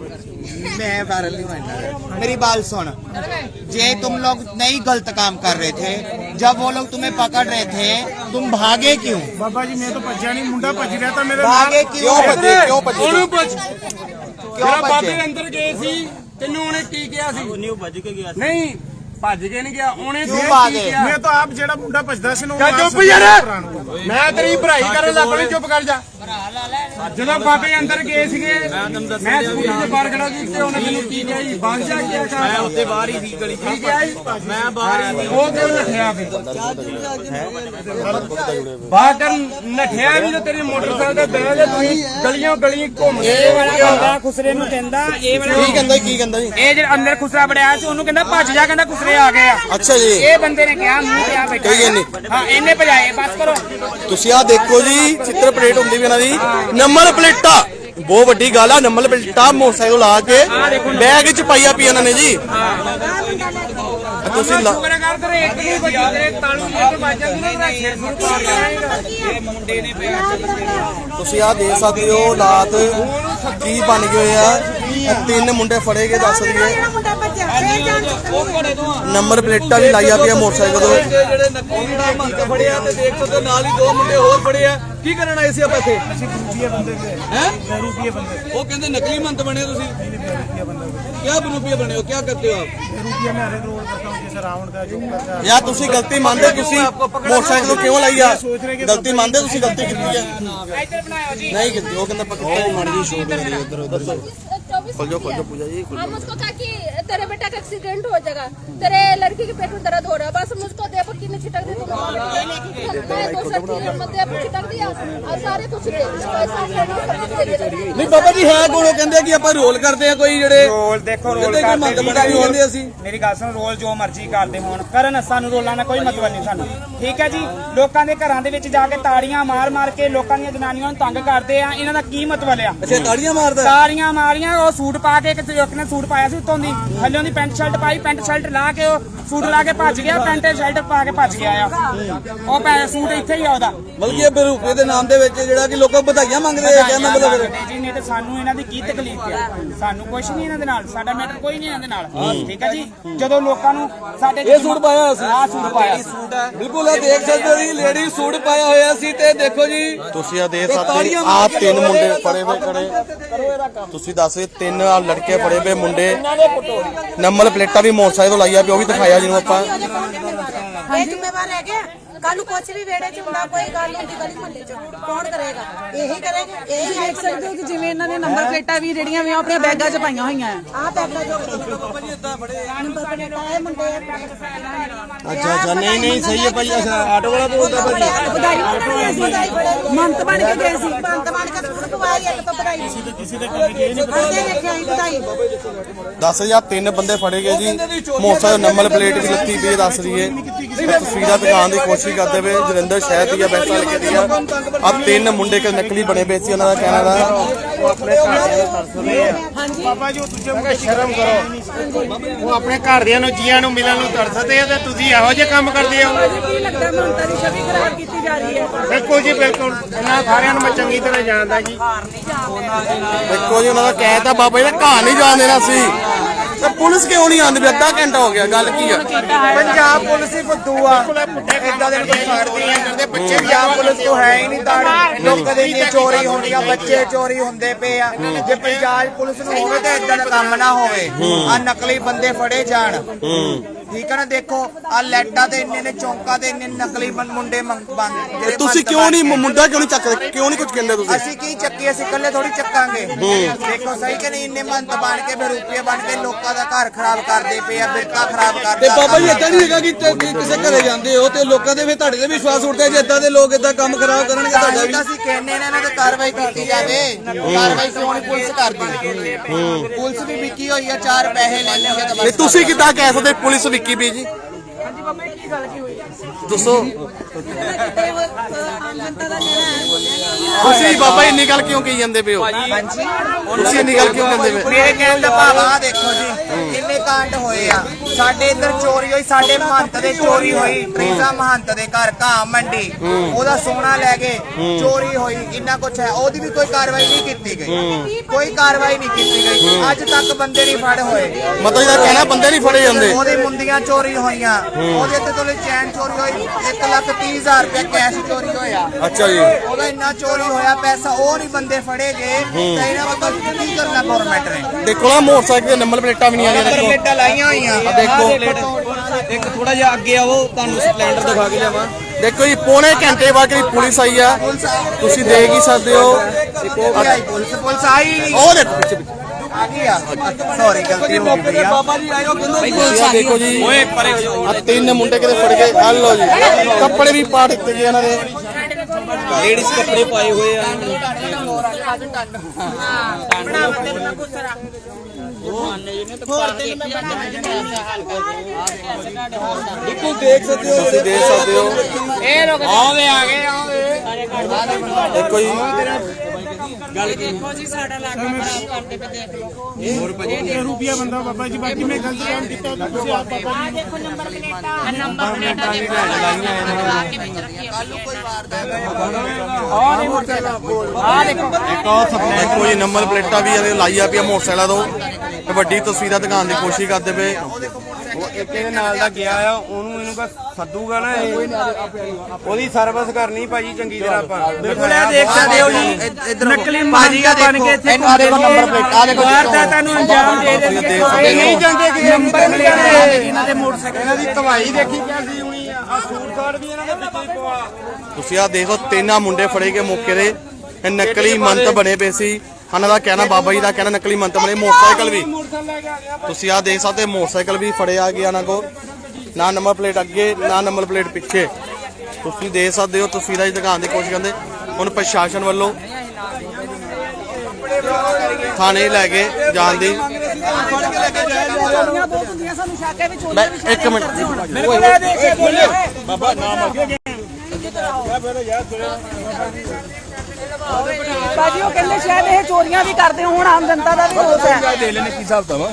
Speaker 4: मैं वायरल नहीं बनना, मेरी बात सुन। जे तुम लोग नहीं गलत काम कर रहे थे, जब वो लोग तुम्हें पकड़ रहे थे, तुम भागे क्यों?
Speaker 3: ਬਾਬਾ ਜੀ ਮੈਂ ਤਾਂ ਭੱਜਿਆ ਨਹੀਂ, ਮੁੰਡਾ ਭੱਜ ਰਿਹਾ ਤਾਂ ਮੇਰੇ
Speaker 4: भागे क्यों?
Speaker 1: ਕਿਉਂ ਭੱਜੇ?
Speaker 2: ਉਹਨੂੰ ਪੁੱਛ
Speaker 4: क्यों
Speaker 2: ਬਾਬੇ
Speaker 4: भज्जे?
Speaker 2: ਦੇ ਅੰਦਰ ਗਏ ਸੀ, ਤੈਨੂੰ ਉਹਨੇ ਕੀ ਕਿਹਾ ਸੀ? ਉਹਨੇ ਭੱਜ ਕੇ ਗਿਆ ਸੀ। ਨਹੀਂ ਭੱਜ ਕੇ ਨਹੀਂ ਗਿਆ, ਉਹਨੇ
Speaker 4: ਕਿਉਂ
Speaker 2: ਕੀ
Speaker 4: ਭਾਗੇ?
Speaker 2: ਕਿਹਾ?
Speaker 3: ਮੈਂ ਤਾਂ ਆਪ ਜਿਹੜਾ ਮੁੰਡਾ ਭੱਜਦਾ ਸੀ ਨਾ
Speaker 2: ਚੱਲ ਚੁੱਪ ਯਾਰ, ਮੈਂ ਤੇਰੀ ਭਰਾਈ ਕਰਨ ਲੱਗ ਪਈ, ਚੁੱਪ ਕਰ ਜਾ। ਜਦੋਂ ਬਾਬੇ ਅੰਦਰ ਗਏ ਸੀਗੇ, ਮੈਂ ਸਕੂਲ ਦੇ ਬਾਹਰ ਖੜਾ ਸੀ ਤੇ ਉਹਨੇ ਮੈਨੂੰ ਕੀ ਕਿਹਾ ਜੀ? ਬਾਹਰ ਜਾ ਕੇ ਮੈਂ ਉੱਤੇ ਬਾਹਰ ਹੀ ਸੀ ਗਲੀ ਕੀ ਕਿਹਾ ਜੀ? ਮੈਂ ਬਾਹਰ ਹੀ ਉਹ ਕਿਉਂ ਨੱਠਿਆ ਫਿਰ? ਬਾਹਰ ਕਰ ਨੱਠਿਆ ਵੀ ਤੇ ਤੇਰੇ ਮੋਟਰਸਾਈਕਲ ਤੇ ਬਹਿ ਜਾ, ਤੁਸੀਂ ਗਲੀਆਂ ਗਲੀਆਂ ਘੁੰਮ ਗਏ।
Speaker 8: ਬੰਦਾ ਖੁਸਰੇ ਨੂੰ ਕਹਿੰਦਾ, ਇਹ ਵਾਲਾ
Speaker 1: ਕੀ ਕਹਿੰਦਾ ਜੀ?
Speaker 8: ਇਹ ਜਿਹੜਾ ਅੰਦਰ ਖੁਸਰਾ ਬੜਿਆ ਸੀ ਉਹਨੂੰ ਕਹਿੰਦਾ ਭੱਜ ਜਾ, ਕਹਿੰਦਾ ਖੁਸਰੇ ਆ ਗਏ ਆ।
Speaker 1: ਅੱਛਾ ਜੀ।
Speaker 8: ਇਹ ਬੰਦੇ ਨੇ ਕਿਹਾ ਮੂੰਹ ਤੇ ਆ ਬੈਠਾ।
Speaker 1: ਕਹੀ ਜਾਂਦੀ।
Speaker 8: ਹਾਂ ਇਹਨੇ ਭਜਾਏ, ਬਸ ਕਰੋ।
Speaker 1: ਤੁਸੀਂ ਆਹ ਦੇਖੋ ਜੀ, ਚਿੱਤਰ ਪਲੇਟ ਹੁੰਦੀ ਵੀ ਇਹਨਾਂ ਦੀ ਨੰਬਰ ਪਲੇਟਾਂ। ਬਹੁਤ ਵੱਡੀ ਗੱਲ ਆ, ਨੰਬਰ ਪਲੇਟਾਂ ਮੋਟਰਸਾਈਕਲ ਲਾ ਕੇ ਬੈਗ 'ਚ ਪਾਈਆ ਪਈ ਇਹਨਾਂ ਨੇ ਜੀ। ਤੁਸੀਂ
Speaker 2: ਸ਼ੁਕਰ ਕਰ ਤੇਰੇ ਇੱਕ ਨਹੀਂ ਵੱਜੀ, ਤੇਰੇ ਤਾਲੂ ਇੱਕ ਵੱਜ ਜਾਂਦੀ ਨਾ, ਤੇਰਾ ਸਿਰ ਸੁਰ ਪਾੜ ਜਾਏਗਾ।
Speaker 8: ਇਹ ਮੁੰਡੇ ਨੇ
Speaker 1: ਤੁਸੀਂ ਆਹ ਦੇਖ ਸਕਦੇ ਹੋ ਹਾਲਾਤ ਕੀ ਬਣ ਗਏ ਹੋਏ ਆ। ਇਹ 3 ਮੁੰਡੇ ਫੜੇ ਗਏ ਦੱਸ ਦਈਏ।
Speaker 6: ਮੁੰਡਾ ਭੱਜਿਆ ਇਹ ਜਾਣ
Speaker 1: ਨੰਬਰ ਪਲੇਟਾਂ ਵੀ ਲਾਈਆਂ ਪਈਆਂ ਮੋਟਰਸਾਈਕਲ ਤੋਂ।
Speaker 9: ਜਿਹੜੇ ਨਕਲੀ ਦਾ ਮੰਗ ਫੜਿਆ ਤੇ ਦੇਖ ਸਕਦੇ ਹੋ ਨਾਲ ਹੀ 2 ਮੁੰਡੇ ਹੋਰ ਫੜੇ ਆ। ਕੀ ਕਰਨ ਆਏ ਸੀ ਆਪਾਂ ਇੱਥੇ?
Speaker 3: ਰੁਪਏ ਬੰਦੇ
Speaker 9: हैं?
Speaker 3: ਰੁਪਏ ਬੰਦੇ
Speaker 9: वो कहते नकली मंत बने तुसी क्या रुपये बने हो, क्या करते हो आप?
Speaker 3: ਰੁਪਏ ਮੈਂ ਹਰ ਰੋਲ ਕਰਤਾ ਹੂੰ ਜਿਸ ਰਾਵਣ ਦਾ ਜੋ ਕਰਦਾ
Speaker 1: ਯਾਰ ਤੁਸੀਂ ਗਲਤੀ ਮੰਨਦੇ, ਤੁਸੀਂ ਮੋਟਰਸਾਈਕਲ ਤੋਂ ਕਿਉਂ ਲਾਈ ਆ? ਗਲਤੀ ਮੰਨਦੇ ਤੁਸੀਂ ਗਲਤੀ ਕੀਤੀ ਆ?
Speaker 8: ਇੱਧਰ ਬਣਾਇਓ ਜੀ।
Speaker 1: ਨਹੀਂ ਕੀਤੀ। ਉਹ ਕਹਿੰਦਾ ਪੱਕਾ ਮਾੜੀ ਜੀ ਸ਼ੋਟ ਕਰੀ ਇੱਧਰ ਦੱਸੋ। खोल जाओ पूजा जी।
Speaker 7: हम उसको कहा कि तेरे बेटा का एक्सीडेंट हो जाएगा, तेरे लड़की के पेट में दर्द हो रहा है, बस मुझको दे पक्की ने छिटक दी, तो मैं दूसरा चीज मत दे छिटक दिया और सारे कुछ दे पैसा
Speaker 9: नहीं बाबा जी है कौन? वो कहते कि ਆਪਾਂ ਰੋਲ ਕਰਦੇ ਆ ਕੋਈ ਜਿਹੜੇ
Speaker 8: ਰੋਲ ਦੇਖੋ, ਰੋਲ
Speaker 9: ਕੋਈ ਮੰਤ
Speaker 8: ਕਰਦੇ
Speaker 9: ਬਣੇ ਵੀ ਹੁੰਦੇ ਅਸੀਂ।
Speaker 8: ਮੇਰੀ ਗੱਲ ਸੁਣ, ਰੋਲ ਜੋ ਮਰਜ਼ੀ ਕਰਦੇ ਹੋਣ ਕਰਨ, ਸਾਨੂੰ ਰੋਲਾਂ ਦਾ ਕੋਈ ਮਤਲਬ ਨਹੀਂ ਸਾਨੂੰ, ਠੀਕ ਹੈ ਜੀ। ਲੋਕਾਂ ਦੇ ਘਰਾਂ ਦੇ ਵਿੱਚ ਜਾ ਕੇ ਤਾੜੀਆਂ ਮਾਰ ਕੇ ਲੋਕਾਂ ਦੀਆਂ ਜਨਾਨੀਆਂ ਨੂੰ ਤੰਗ ਕਰਦੇ ਆ, ਇਹਨਾਂ ਦਾ ਕੀ ਮਤਲਬ ਆ?
Speaker 9: ਅੱਛਾ ਤਾੜੀਆਂ ਮਾਰਦਾ।
Speaker 8: ਤਾੜੀਆਂ ਮਾਰੀਆਂ, ਉਹ ਸੂਟ ਪਾ ਕੇ ਇੱਕ ਨੇ ਸੂਟ ਪਾਇਆ ਸੀ ਉੱਤੋਂ ਦੀ, ਥੱਲੋਂ ਦੀ ਪੈਂਟ ਸ਼ਰਟ ਪਾਈ, ਪੈਂਟ ਸ਼ਰਟ ਲਾ ਕੇ ਉਹ ਸੂਟ ਲਾ ਕੇ ਭੱਜ ਗਿਆ, ਪੈਂਟ ਸ਼ਰਟ ਪਾ ਕੇ ਭੱਜ ਗਿਆ ਆ। ਉਹ ਸੂਟ ਇੱਥੇ ਹੀ ਆ ਉਹਦਾ।
Speaker 9: ਬਲਕਿ ਇਹ ਰੁਪਏ ਦੇ ਨਾਮ ਦੇ ਵਿੱਚ ਜਿਹੜਾ ਕਿ ਲੋਕਾਂ ਵਧਾਈਆਂ ਮੰਗਦੇ ਆ, ਕਹਿੰਦਾ ਮਤਲਬ
Speaker 8: ਜੀ ਨਹੀਂ ਤੇ ਸਾਨੂੰ ਇਹਨਾਂ ਦੀ ਕੀ ਤਕਲੀਫ ਹੈ? ਸਾਨੂੰ ਕੁਝ ਨਹੀਂ ਇਹਨਾਂ ਦੇ ਨਾਲ, ਸਾਡਾ ਮੈਟਰ ਕੋਈ ਨਹੀਂ ਇਹਨਾਂ ਦੇ ਨਾਲ, ਠੀਕ ਹੈ ਜੀ। ਜਦੋਂ ਲੋਕਾਂ ਨੂੰ ਸਾਡੇ
Speaker 9: ਇਹ ਸੂਟ ਪਾਇਆ ਹੋਇਆ ਸੀ।
Speaker 8: ਆਹ ਸੂਟ ਪਾਇਆ ਸੀ।
Speaker 9: ਬਿਲਕੁਲ ਇਹ ਦੇਖ ਸਕਦੇ ਹੋ ਜੀ, ਲੇਡੀ ਸੂਟ ਪਾਇਆ ਹੋਇਆ ਸੀ ਤੇ ਦੇਖੋ ਜੀ
Speaker 1: ਤੁਸੀਂ ਆ ਦੇਖ ਸਕਦੇ ਹੋ, ਆਹ 3 ਮੁੰਡੇ ਫੜੇ ਹੋਏ ਖੜੇ। ਤੁਸੀਂ ਦੱਸ 3 ਲੜਕੇ ਫੜੇ ਹੋਏ ਮੁੰਡੇ, ਨੰਬਰ ਪਲੇਟਾਂ ਵੀ ਮੋਟਰਸਾਈਕਲ ਤੋਂ ਲਾਈਆਂ ਪਿਆ, ਉਹ ਵੀ ਦਿਖਾਇਆ ਜਿਹਨੂੰ ਆਪਾਂ।
Speaker 6: ਇਹ ਜ਼ਿੰਮੇਵਾਰ ਹੈ ਕਿ ਕੱਲ ਨੂੰ ਕੁਛ ਵੀ ਵੇੜੇ ਚ ਹੁੰਦਾ, ਕੋਈ ਗੱਲ ਹੁੰਦੀ ਗਲੀ ਮੁਹੱਲੇ ਚ, ਕੌਣ ਕਰੇਗਾ? ਇਹੀ ਕਰੇਗਾ। ਇਹੀ
Speaker 5: ਦੇਖ ਸਕਦੇ ਹੋ ਕਿ ਜਿਵੇਂ ਇਹਨਾਂ ਨੇ ਨੰਬਰ ਪਲੇਟਾਂ ਵੀ ਜਿਹੜੀਆਂ ਵੀ ਆਪਣੀਆਂ ਬੈਗਾਂ 'ਚ ਪਾਈਆਂ ਹੋਈਆਂ ਆ।
Speaker 6: ਆ ਪੈਪਾ ਜੋ ਨੰਬਰ ਪਲੇਟਾਂ ਇਹ ਮੁੰਡੇ
Speaker 1: ਅੱਛਾ ਨਹੀਂ ਸਹੀ ਹੈ ਭਾਈ। ਅੱਛਾ ਆਟੋ ਵਾਲਾ ਬੋਲਦਾ ਭਾਈ।
Speaker 5: ਵਧਾਈ ਮੰਤ ਬਣ ਕੇ ਗਏ ਸੀ।
Speaker 6: ਬੰਦ ਬਣ ਕੇ ਪਵਾਈ ਇੱਕ ਤੋਂ ਵਧਾਈ ਕਿਸੇ ਦੇ ਦੇਖਿਆ ਹੀ ਵਧਾਈ
Speaker 1: ਦੱਸ ਹਜ਼ਾਰ 3 ਬੰਦੇ ਫੜੇ ਗਏ ਜੀ। ਮੋਟਰਸਾਈਕਲ ਨੰਬਰ ਪਲੇਟ ਵੀ ਲੱਤੀ ਪਈ ਹੈ ਦੱਸ ਰਹੀ ਹੈ। ਤਸਵੀਰਾਂ ਦਿਖਾਉਣ ਦੀ ਕੋਸ਼ਿਸ਼ ਕਰਦੇ ਪਏ ਜਲੰਧਰ ਸ਼ਹਿਰ ਦੀ ਬੈਂਕਾਂ ਲਿਖੇ ਦੀ ਆ 3 ਮੁੰਡੇ ਕਿ ਨਕਲੀ ਬਣੇ ਪਏ ਸੀ। ਉਹਨਾਂ ਦਾ ਕਹਿਣਾ ਦਾ
Speaker 2: ਬਾਬਾ ਜੀ ਉਹ ਦੂਜੇ ਸ਼ਰਮ ਕਰੋ। ਉਹ ਆਪਣੇ ਘਰਦਿਆਂ ਨੂੰ ਜੀਆਂ ਨੂੰ ਮਿਲਣ ਨੂੰ ਤਰਸਦੇ ਆ ਤੇ ਤੁਸੀਂ ਇਹੋ ਜਿਹੇ ਕੰਮ ਕਰਦੇ ਹੋ।
Speaker 5: ਕੀ ਲੱਗਦਾ ਮਮਤਾ ਦੀ ਛਵੀ ਖਰਾਬ ਕੀਤੀ ਜਾ ਰਹੀ ਹੈ?
Speaker 2: ਬਿਲਕੁਲ ਜੀ ਬਿਲਕੁਲ। ਇਹਨਾਂ ਸਾਰਿਆਂ ਨੂੰ ਮੈਂ ਚੰਗੀ ਤਰ੍ਹਾਂ ਜਾਣਦਾ ਜੀ।
Speaker 1: ਦੇਖੋ ਜੀ ਉਹਨਾਂ ਦਾ ਕਹਿਤਾ ਬਾਬਾ ਜੀ ਦਾ ਘਰ ਨਹੀਂ ਜਾਣ ਦੇਣਾ ਸੀ ਤੇ ਪੁਲਿਸ ਕਿਉਂ ਨਹੀਂ ਆਉਂਦੀ? ਅੱਧਾ ਘੰਟਾ ਹੋ ਗਿਆ। ਗੱਲ ਕੀ ਆ?
Speaker 4: ਪੰਜਾਬ ਪੁਲਿਸ ਹੀ ਫੁੱਦੂ ਆ। ਇਦਾਂ ਦੇ ਕੋਈ ਫੜਦੀ ਆ ਕਰਦੇ ਬੱਚੇ ਪੰਜਾਬ ਪੁਲਿਸ ਤੋਂ ਹੈ ਹੀ ਨਹੀਂ ਤਾੜ। ਲੋਕਾਂ ਦੇ ਇੰਨੀ ਚੋਰੀ ਹੁੰਦੀਆਂ, ਬੱਚੇ ਚੋਰੀ ਹੁੰਦੇ ਪਏ ਆ। ਜੇ ਪੰਜਾਬ ਪੁਲਿਸ ਨੂੰ ਹੋਵੇ ਤਾਂ ਇਦਾਂ ਦਾ ਕੰਮ ਨਾ ਹੋਵੇ। ਆ ਨਕਲੀ ਬੰਦੇ ਫੜੇ ਜਾਣ। ਠੀਕ ਹੈ ਨਾ। ਦੇਖੋ ਆ ਲੈਟਾਂ ਤੇ ਇੰਨੇ ਨੇ ਚੌਂਕਾਂ ਤੇ ਇੰਨੇ ਨਕਲੀ ਮੁੰਡੇ ਬੰਦ।
Speaker 1: ਤੁਸੀਂ ਕਿਉਂ ਨਹੀਂ ਮੁੰਡਾ ਕਿਉਂ ਨਹੀਂ ਚੱਕਦੇ? ਕਿਉਂ ਨਹੀਂ ਕੁਝ ਕਹਿੰਦੇ ਤੁਸੀਂ?
Speaker 4: ਅਸੀਂ ਕੀ ਚੱਕੀ? ਅਸੀਂ ਇਕੱਲੇ ਥੋੜੀ ਚੱਕਾਂਗੇ। ਦੇਖੋ ਸਹੀ ਕਿ ਨਹੀਂ। ਇੰਨੇ ਮੰਤ ਬਣ ਕੇ ਬਰੂਪੀਏ ਬਣ ਕੇ ਲੋਕਾਂ ਦਾ ਘਰ ਖਰਾਬ ਕਰਦੇ ਪਏ ਆ, ਬਿਰਕਾ ਖਰਾਬ ਕਰਦੇ।
Speaker 9: ਤੇ ਬਾਬਾ ਜੀ ਏਦਾਂ ਨਹੀਂ ਹੈਗਾ ਕਿ ਕਿਸੇ ਘਰੇ ਜਾਂਦੇ ਹੋ ਤੇ ਲੋਕਾਂ ਦੇ ਵੀ ਤੁਹਾਡੇ ਤੇ ਵਿਸ਼ਵਾਸ ਉੱਠਦਾ ਜੇ ਏਦਾਂ ਦੇ ਲੋਕ ਏਦਾਂ ਕੰਮ ਖਰਾਬ ਕਰਨਗੇ ਤੁਹਾਡਾ ਵੀ।
Speaker 4: ਅਸੀਂ ਕਹਿੰਦੇ ਨੇ ਇਹਨਾਂ ਤੇ ਕਾਰਵਾਈ ਕੀਤੀ ਜਾਵੇ। ਕਾਰਵਾਈ ਕਿਉਂ ਨਹੀਂ ਪੁਲਿਸ ਕਰਦੀ? ਪੁਲਿਸ ਵੀ ਵਿਕੀ ਹੋਈ ਆ, 4 ਪੈਸੇ ਲੈ ਲੈਂਗੇ ਤਾਂ
Speaker 1: ਤੇ
Speaker 4: ਬਸ।
Speaker 1: ਤੁਸੀਂ ਕਿੱਦਾਂ ਕਹਿ ਸਕਦੇ ਪੁਲਿਸ ਵਿੱਕੀ ਵੀ ਜੀ?
Speaker 5: ਹਾਂਜੀ ਬਾਬਾ ਕੀ ਗੱਲ ਕੀ ਹੋਈ?
Speaker 1: ਦੱਸੋ
Speaker 6: ਆਮ ਜਨਤਾ ਦਾ ਜਿਹੜਾ
Speaker 1: ਤੁਸੀਂ ਬਾਬਾ ਇੰਨੀ ਗੱਲ ਕਿਉਂ ਕਹੀ ਜਾਂਦੇ ਪਏ ਹੋ? ਤੁਸੀਂ ਇੰਨੀ ਗੱਲ ਕਿਉਂ ਕਹਿੰਦੇ ਪਏ?
Speaker 4: ਮੇਰੇ ਕਹਿਣ ਦਾ ਭਾਵ ਆ ਦੇਖੋ ਜੀ ਕਿੰਨੇ ਕਾਂਡ ਹੋਏ ਆ। ਸਾਡੇ ਇੱਧਰ ਚੋਰੀ ਹੋਈ, ਸਾਡੇ ਮਹੰਤ ਦੇ ਚੋਰੀ ਹੋਈ। ਟ੍ਰੀਜ਼ਾ ਮਹੰਤ ਦੇ ਘਰ ਘਾਹ ਮੰਡੀ, ਉਹਦਾ ਸੋਨਾ ਲੈ ਗਏ, ਚੋਰੀ ਹੋਈ। ਇੰਨਾ ਕੁਛ ਹੈ, ਉਹਦੀ ਵੀ ਕੋਈ ਕਾਰਵਾਈ ਨਹੀਂ ਕੀਤੀ ਗਈ। ਕੋਈ ਕਾਰਵਾਈ ਨਹੀਂ ਕੀਤੀ ਗਈ। ਅੱਜ ਤੱਕ ਬੰਦੇ ਨਹੀਂ ਫੜ ਹੋਏ।
Speaker 1: ਮਤਲਬ ਇਹਦਾ ਕਹਿਣਾ ਬੰਦੇ ਨਹੀਂ ਫੜੇ ਜਾਂਦੇ।
Speaker 4: ਉਹਦੇ ਮੁੰਦੀਆਂ ਚੋਰੀ ਹੋਈਆਂ, ਉਹਦੇ ਤੇ ਤੋਂ ਚੈਨ ਚੋਰੀ ਹੋਈ। 1,30,000 ਰੁਪਏ ਕੈਸ਼ ਚੋਰੀ ਹੋਇਆ।
Speaker 1: ਅੱਛਾ ਜੀ।
Speaker 4: ਉਹਦਾ ਇੰਨਾ ਚੋਰੀ ਹੋਇਆ ਪੈਸਾ, ਉਹ ਨਹੀਂ ਬੰਦੇ ਫੜੇ ਗਏ। ਤਾਂ ਇਹਨਾਂ ਮਤਲਬ ਕੀ ਕਰਨਾ ਗਵਰਨਮੈਂਟ ਨੇ?
Speaker 1: ਦੇਖੋ ਨਾ ਮੋਟਰਸਾਈਕਲ ਦੇ ਨੰਬਰ ਪਲੇਟਾਂ ਵੀ ਨਹੀਂ ਆ
Speaker 4: ਨੰਬਰ ਪਲੇਟਾਂ ਲਾਈਆਂ ਹੋਈਆਂ।
Speaker 1: ਦੇਖੋ
Speaker 9: ਇੱਕ ਥੋੜਾ ਜਿਹਾ ਅੱਗੇ ਆਵੋ ਤੁਹਾਨੂੰ ਸਪਲੈਂਡਰ ਦਿਖਾ ਕੇ ਲਿਆਵਾਂ।
Speaker 1: ਦੇਖੋ ਜੀ ਪੌਣੇ ਘੰਟੇ ਬਾਅਦ ਜਿਹੜੀ ਪੁਲਿਸ ਆਈ ਆ ਤੁਸੀਂ ਦੇਖ ਹੀ ਸਕਦੇ ਹੋ।
Speaker 4: ਪੁਲਿਸ ਆਈ
Speaker 1: ਉਹ ਦੇਖੋ ਪਿੱਛੇ ਪਿੱਛੇ
Speaker 4: ਆ ਗਈ ਆ। ਸੌਰੀ ਗਲਤੀ ਹੋ ਗਈ ਆ।
Speaker 9: ਬਾਬਾ ਜੀ ਆਇਓ ਕਹਿੰਦੇ
Speaker 1: ਤੁਸੀਂ ਆਹ ਦੇਖੋ ਜੀ ਆ 3 ਮੁੰਡੇ ਕਿਤੇ ਫੜ ਗਏ। ਆ ਲਓ ਜੀ ਕੱਪੜੇ ਵੀ ਪਾੜ ਦਿੱਤੇ ਗਏ ਇਹਨਾਂ ਦੇ।
Speaker 9: ਲੇਡੀਜ਼ ਕੱਪੜੇ ਪਾਏ ਹੋਏ ਆ। ਬਿਲਕੁਲ ਦੇਖ ਸਕਦੇ ਹੋ।
Speaker 1: ਤੁਸੀਂ ਦੇਖ ਸਕਦੇ ਹੋ।
Speaker 8: ਇਹ ਲੋਕ ਆਵੇ ਆ ਗਏ ਆਵੇ।
Speaker 1: ਦੇਖੋ ਜੀ
Speaker 2: ਰੁਪਿਆ ਬੰਦਾ ਬਾਬਾ ਜੀ। ਬਾਕੀ ਮੈਂ ਗਲਤੀ ਕੰਮ ਕੀਤਾ ਤੁਸੀਂ ਆਪ ਬਾਬਾ ਜੀ।
Speaker 6: ਦੇਖੋ ਨੰਬਰ ਪਲੇਟਾਂ ਨੰਬਰ ਪਲੇਟਾਂ
Speaker 1: ਦੇਖੋ ਜੀ ਨੰਬਰ ਪਲੇਟਾਂ ਵੀ ਇਹਦੇ ਲਾਈਆਂ ਪਿਆ ਮੋਟਰਸਾਈਕਲਾਂ ਤੋਂ। ਤੇ ਵੱਡੀ ਤਸਵੀਰਾਂ ਦਿਖਾਉਣ ਦੀ ਕੋਸ਼ਿਸ਼ ਕਰਦੇ ਪਏ।
Speaker 2: ਉਹ ਇੱਕ ਇਹਦੇ ਨਾਲ ਦਾ ਗਿਆ ਆ, ਉਹਨੂੰ ਇਹਨੂੰ ਕਾ ਸੱਦੂਗਾ ਨਾ ਇਹ। ਉਹਦੀ ਸਰਵਿਸ ਕਰਨੀ ਭਾਜੀ ਚੰਗੀ ਤਰ੍ਹਾਂ ਆਪਾਂ।
Speaker 9: ਬਿਲਕੁਲ ਇਹ ਦੇਖ ਸਕਦੇ ਹੋ ਜੀ ਨਕਲੀ ਮਾਜੀਆ ਬਣ ਕੇ ਇੱਥੇ
Speaker 1: ਆ ਦੇਖੋ ਨੰਬਰ ਪਲੇਟ ਆ ਦੇਖੋ
Speaker 9: ਵਾਰਦਾਤਾਂ ਨੂੰ ਅੰਜਾਮ ਦੇ
Speaker 1: ਦੇਖ
Speaker 2: ਇਹ
Speaker 1: ਸਕਦੇ
Speaker 2: ਨਹੀਂ
Speaker 1: ਹੋ।
Speaker 2: ਜਾਂਦੇ ਕਿ
Speaker 9: ਨੰਬਰ ਮਿਲਣੇ ਇਹਨਾਂ ਦੇ ਮੋਟਰਸਾਈਕਲ।
Speaker 2: ਇਹਨਾਂ ਦੀ ਧਵਾਈ ਦੇਖੀ ਕਿਹਦੀ ਹੋਣੀ ਆ। ਆ ਸੂਟ ਸਾਟ ਵੀ ਇਹਨਾਂ ਦੇ ਵਿੱਚ ਹੀ ਪਵਾ।
Speaker 1: ਤੁਸੀਂ ਆ ਦੇਖੋ 3 ਮੁੰਡੇ ਫੜੇ ਗਏ ਮੌਕੇ ਦੇ। ਇਹ ਨਕਲੀ ਮੰਤ ਬਣੇ ਪਏ ਸੀ। ਇਹਨਾਂ ਦਾ ਕਹਿਣਾ ਬਾਬਾ ਜੀ ਦਾ ਕਹਿਣਾ ਨਕਲੀ ਮੰਤ ਬਣੇ। ਮੋਟਰਸਾਈਕਲ ਵੀ ਤੁਸੀਂ ਆ ਦੇਖ ਸਕਦੇ ਮੋਟਰਸਾਈਕਲ ਵੀ ਫੜਿਆ ਗਿਆ ਇਹਨਾਂ ਕੋ। ਨਾ ਨੰਬਰ ਪਲੇਟ ਅੱਗੇ ਨਾ ਨੰਬਰ ਪਲੇਟ ਪਿੱਛੇ। ਤੁਸੀਂ ਦੇਖ ਸਕਦੇ ਹੋ ਤਸਵੀਰਾਂ 'ਚ ਦਿਖਾਉਣ ਦੀ ਕੋਸ਼ਿਸ਼ ਕਰਦੇ। ਹੁਣ ਪ੍ਰਸ਼ਾਸਨ ਵੱਲੋਂ ਥਾਣੇ ਲੈ ਕੇ ਜਾਣ ਦੀ।
Speaker 5: ਚੋਰੀਆਂ ਬਹੁਤ ਹੁੰਦੀਆਂ, ਸਾਨੂੰ ਸ਼ੱਕ ਹੈ ਵੀ ਚੋਰੀਆਂ ਵੀ
Speaker 1: ਇੱਕ ਮਿੰਟ
Speaker 2: ਬਾਬਾ ਨਾਮ ਅੱਗੇ
Speaker 5: ਬਾਜੀ ਉਹ ਕਹਿੰਦੇ ਸ਼ਾਇਦ ਇਹ ਚੋਰੀਆਂ ਵੀ ਕਰਦੇ ਹੁਣ ਆਮ ਜਨਤਾ ਦਾ ਵੀ ਦੋਸ਼ ਹੈ।
Speaker 9: ਦੇ ਲੈਣੇ ਕੀ ਹਿਸਾਬ ਤਾਂ ਵਾ।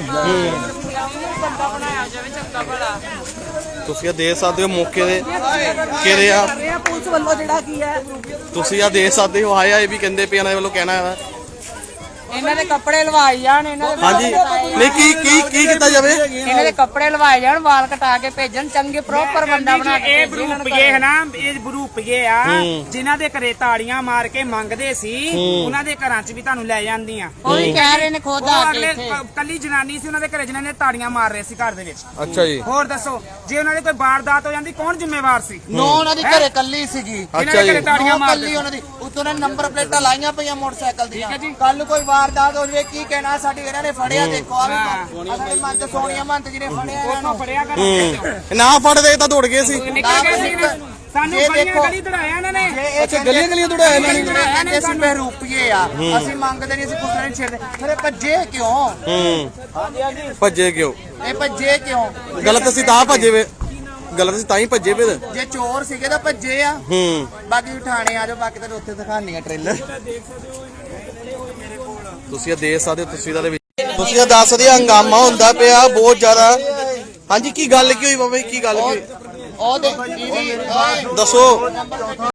Speaker 1: ਤੁਸੀਂ ਆ ਦੇਖ ਸਕਦੇ ਹੋ ਮੌਕੇ ਦੇ ਕਿਹੜੇ ਆ।
Speaker 5: ਪੁਲਿਸ ਵੱਲੋਂ ਜਿਹੜਾ ਕੀ ਹੈ
Speaker 1: ਤੁਸੀਂ ਆ ਦੇਖ ਸਕਦੇ ਹੋ। ਆਇਆ ਇਹ ਵੀ ਕਹਿੰਦੇ ਪਏ ਇਹਨਾਂ ਦੇ ਵੱਲੋਂ ਕਹਿਣਾ ਹੈ।
Speaker 8: ਇਹਨਾਂ ਦੇ ਕੱਪੜੇ ਲਵਾਈ ਜਾਣ। ਇਹਨਾਂ ਦੇ
Speaker 1: ਹਾਂਜੀ ਨਹੀਂ ਕੀ ਕੀਤਾ ਜਾਵੇ?
Speaker 8: ਇਹਨਾਂ ਦੇ ਕੱਪੜੇ ਲਵਾਏ ਜਾਣ, ਵਾਲ ਕਟਾ ਕੇ ਭੇਜਣ, ਚੰਗੇ ਪ੍ਰੋਪਰ ਬੰਦਾ ਬਣਾ ਕੇ। ਇਹ ਬਰੂਪੀਏ ਹੈ ਨਾ, ਇਹ ਬਰੂਪੀਏ ਆ ਜਿਨ੍ਹਾਂ ਦੇ ਘਰੇ ਤਾੜੀਆਂ ਮਾਰ ਕੇ ਮੰਗਦੇ ਸੀ। ਉਹਨਾਂ ਦੇ ਘਰਾਂ 'ਚ ਵੀ ਤੁਹਾਨੂੰ ਲੈ ਜਾਂਦੀਆਂ।
Speaker 6: ਉਹ ਵੀ ਕਹਿ ਰਹੇ ਨੇ ਖੁਦ ਆ ਕੇ ਇੱਥੇ।
Speaker 8: ਕੱਲੀ ਜਨਾਨੀ ਸੀ ਉਹਨਾਂ ਦੇ ਘਰੇ ਜਿਨ੍ਹਾਂ ਨੇ ਤਾੜੀਆਂ ਮਾਰ ਰਹੇ ਸੀ ਘਰ ਦੇ ਵਿੱਚ।
Speaker 1: ਅੱਛਾ ਜੀ।
Speaker 8: ਹੋਰ ਦੱਸੋ ਜੇ ਉਹਨਾਂ ਦੇ ਕੋਈ ਵਾਰਦਾਤ ਹੋ ਜਾਂਦੀ ਕੌਣ ਜ਼ਿੰਮੇਵਾਰ ਸੀ?
Speaker 4: ਨੋ ਉਹਨਾਂ ਦੀ ਘਰੇ ਕੱਲੀ ਸੀਗੀ।
Speaker 1: ਅੱਛਾ ਜੀ।
Speaker 8: ਤਾੜੀਆਂ ਮਾਰ
Speaker 4: ਕੱਲੀ ਉਹਨਾਂ ਦੀ ਉੱਤੋਂ ਨੇ ਨੰਬਰ ਪਲੇਟਾਂ ਲਾਈਆਂ ਪਈਆਂ ਮੋਟਰਸਾਈਕਲ ਦੀਆਂ। ਕੱਲ ਨੂੰ ਕੋਈ ਵਾਰਦਾਤ ਹੋ ਜਾਵੇ ਕੀ ਕਹਿਣਾ? ਸਾਡੀ ਇਹਨਾਂ ਨੇ ਫੜਿਆ। ਦੇਖੋ ਆ ਵੀ ਮੰਤ ਸੋਨੀਆ ਮੰਤ ਜੀ ਨੇ ਫੜਿਆ ਇਹਨਾਂ ਨੂੰ।
Speaker 8: ਫੜਿਆ ਕਰ
Speaker 1: ਨਾ ਫੜਦੇ ਤਾਂ ਦੌੜ ਗਏ ਸੀ।
Speaker 8: ਨਿਕਲ ਗਏ ਸੀ ਸਾਨੂੰ
Speaker 4: ਜੇ
Speaker 8: ਗਲੀਆਂ
Speaker 4: ਦੇਖੋ
Speaker 8: ਗਲੀ ਦੜਾਇਆ ਇਹਨਾਂ ਨੇ
Speaker 9: ਅੱਛਾ ਗਲੀਆਂ ਗਲੀਆਂ ਦੌੜਾਇਆ ਇਹਨਾਂ ਨੇ
Speaker 4: ਕਹਿੰਦੇ ਅਸੀਂ ਬਹਿਰੂਪੀਏ ਆ ਅਸੀਂ ਮੰਗਦੇ ਨਹੀਂ ਅਸੀਂ ਕੁਛ ਨਹੀਂ ਛੇੜਦੇ ਫਿਰ ਇਹ ਭੱਜੇ ਕਿਉਂ
Speaker 1: ਭੱਜੇ ਕਿਉਂ?
Speaker 4: ਇਹ ਭੱਜੇ ਕਿਉਂ
Speaker 1: ਗਲਤ ਅਸੀਂ ਤਾਂ ਭੱਜੇ ਵੇ, ਗਲਤ ਅਸੀਂ ਤਾਂ ਹੀ ਭੱਜੇ ਫਿਰ।
Speaker 4: ਜੇ ਚੋਰ ਸੀਗੇ ਤਾਂ ਭੱਜੇ ਆ ਬਾਕੀ ਥਾਣੇ ਆ ਜਾਓ ਬਾਕੀ ਤਾਂ ਉੱਥੇ ਦਿਖਾਣੀ ਆ ਟ੍ਰੇਲਰ
Speaker 1: ਤੁਸੀਂ ਇਹ ਦੇਖ ਸਕਦੇ ਹੋ ਤਸਵੀਰਾਂ ਦੇ ਵਿੱਚ। ਤੁਸੀਂ ਇਹ ਦੱਸ ਸਕਦੇ ਹੰਗਾਮਾ ਹੁੰਦਾ ਪਿਆ ਬਹੁਤ ਜ਼ਿਆਦਾ। ਹਾਂਜੀ ਕੀ ਗੱਲ ਕੀ ਹੋਈ ਬਾਬਾ ਜੀ, ਕੀ ਗੱਲ ਕੀ ਹੋਈ
Speaker 4: ਉਹ ਦੇਖ
Speaker 1: ਦੱਸੋ।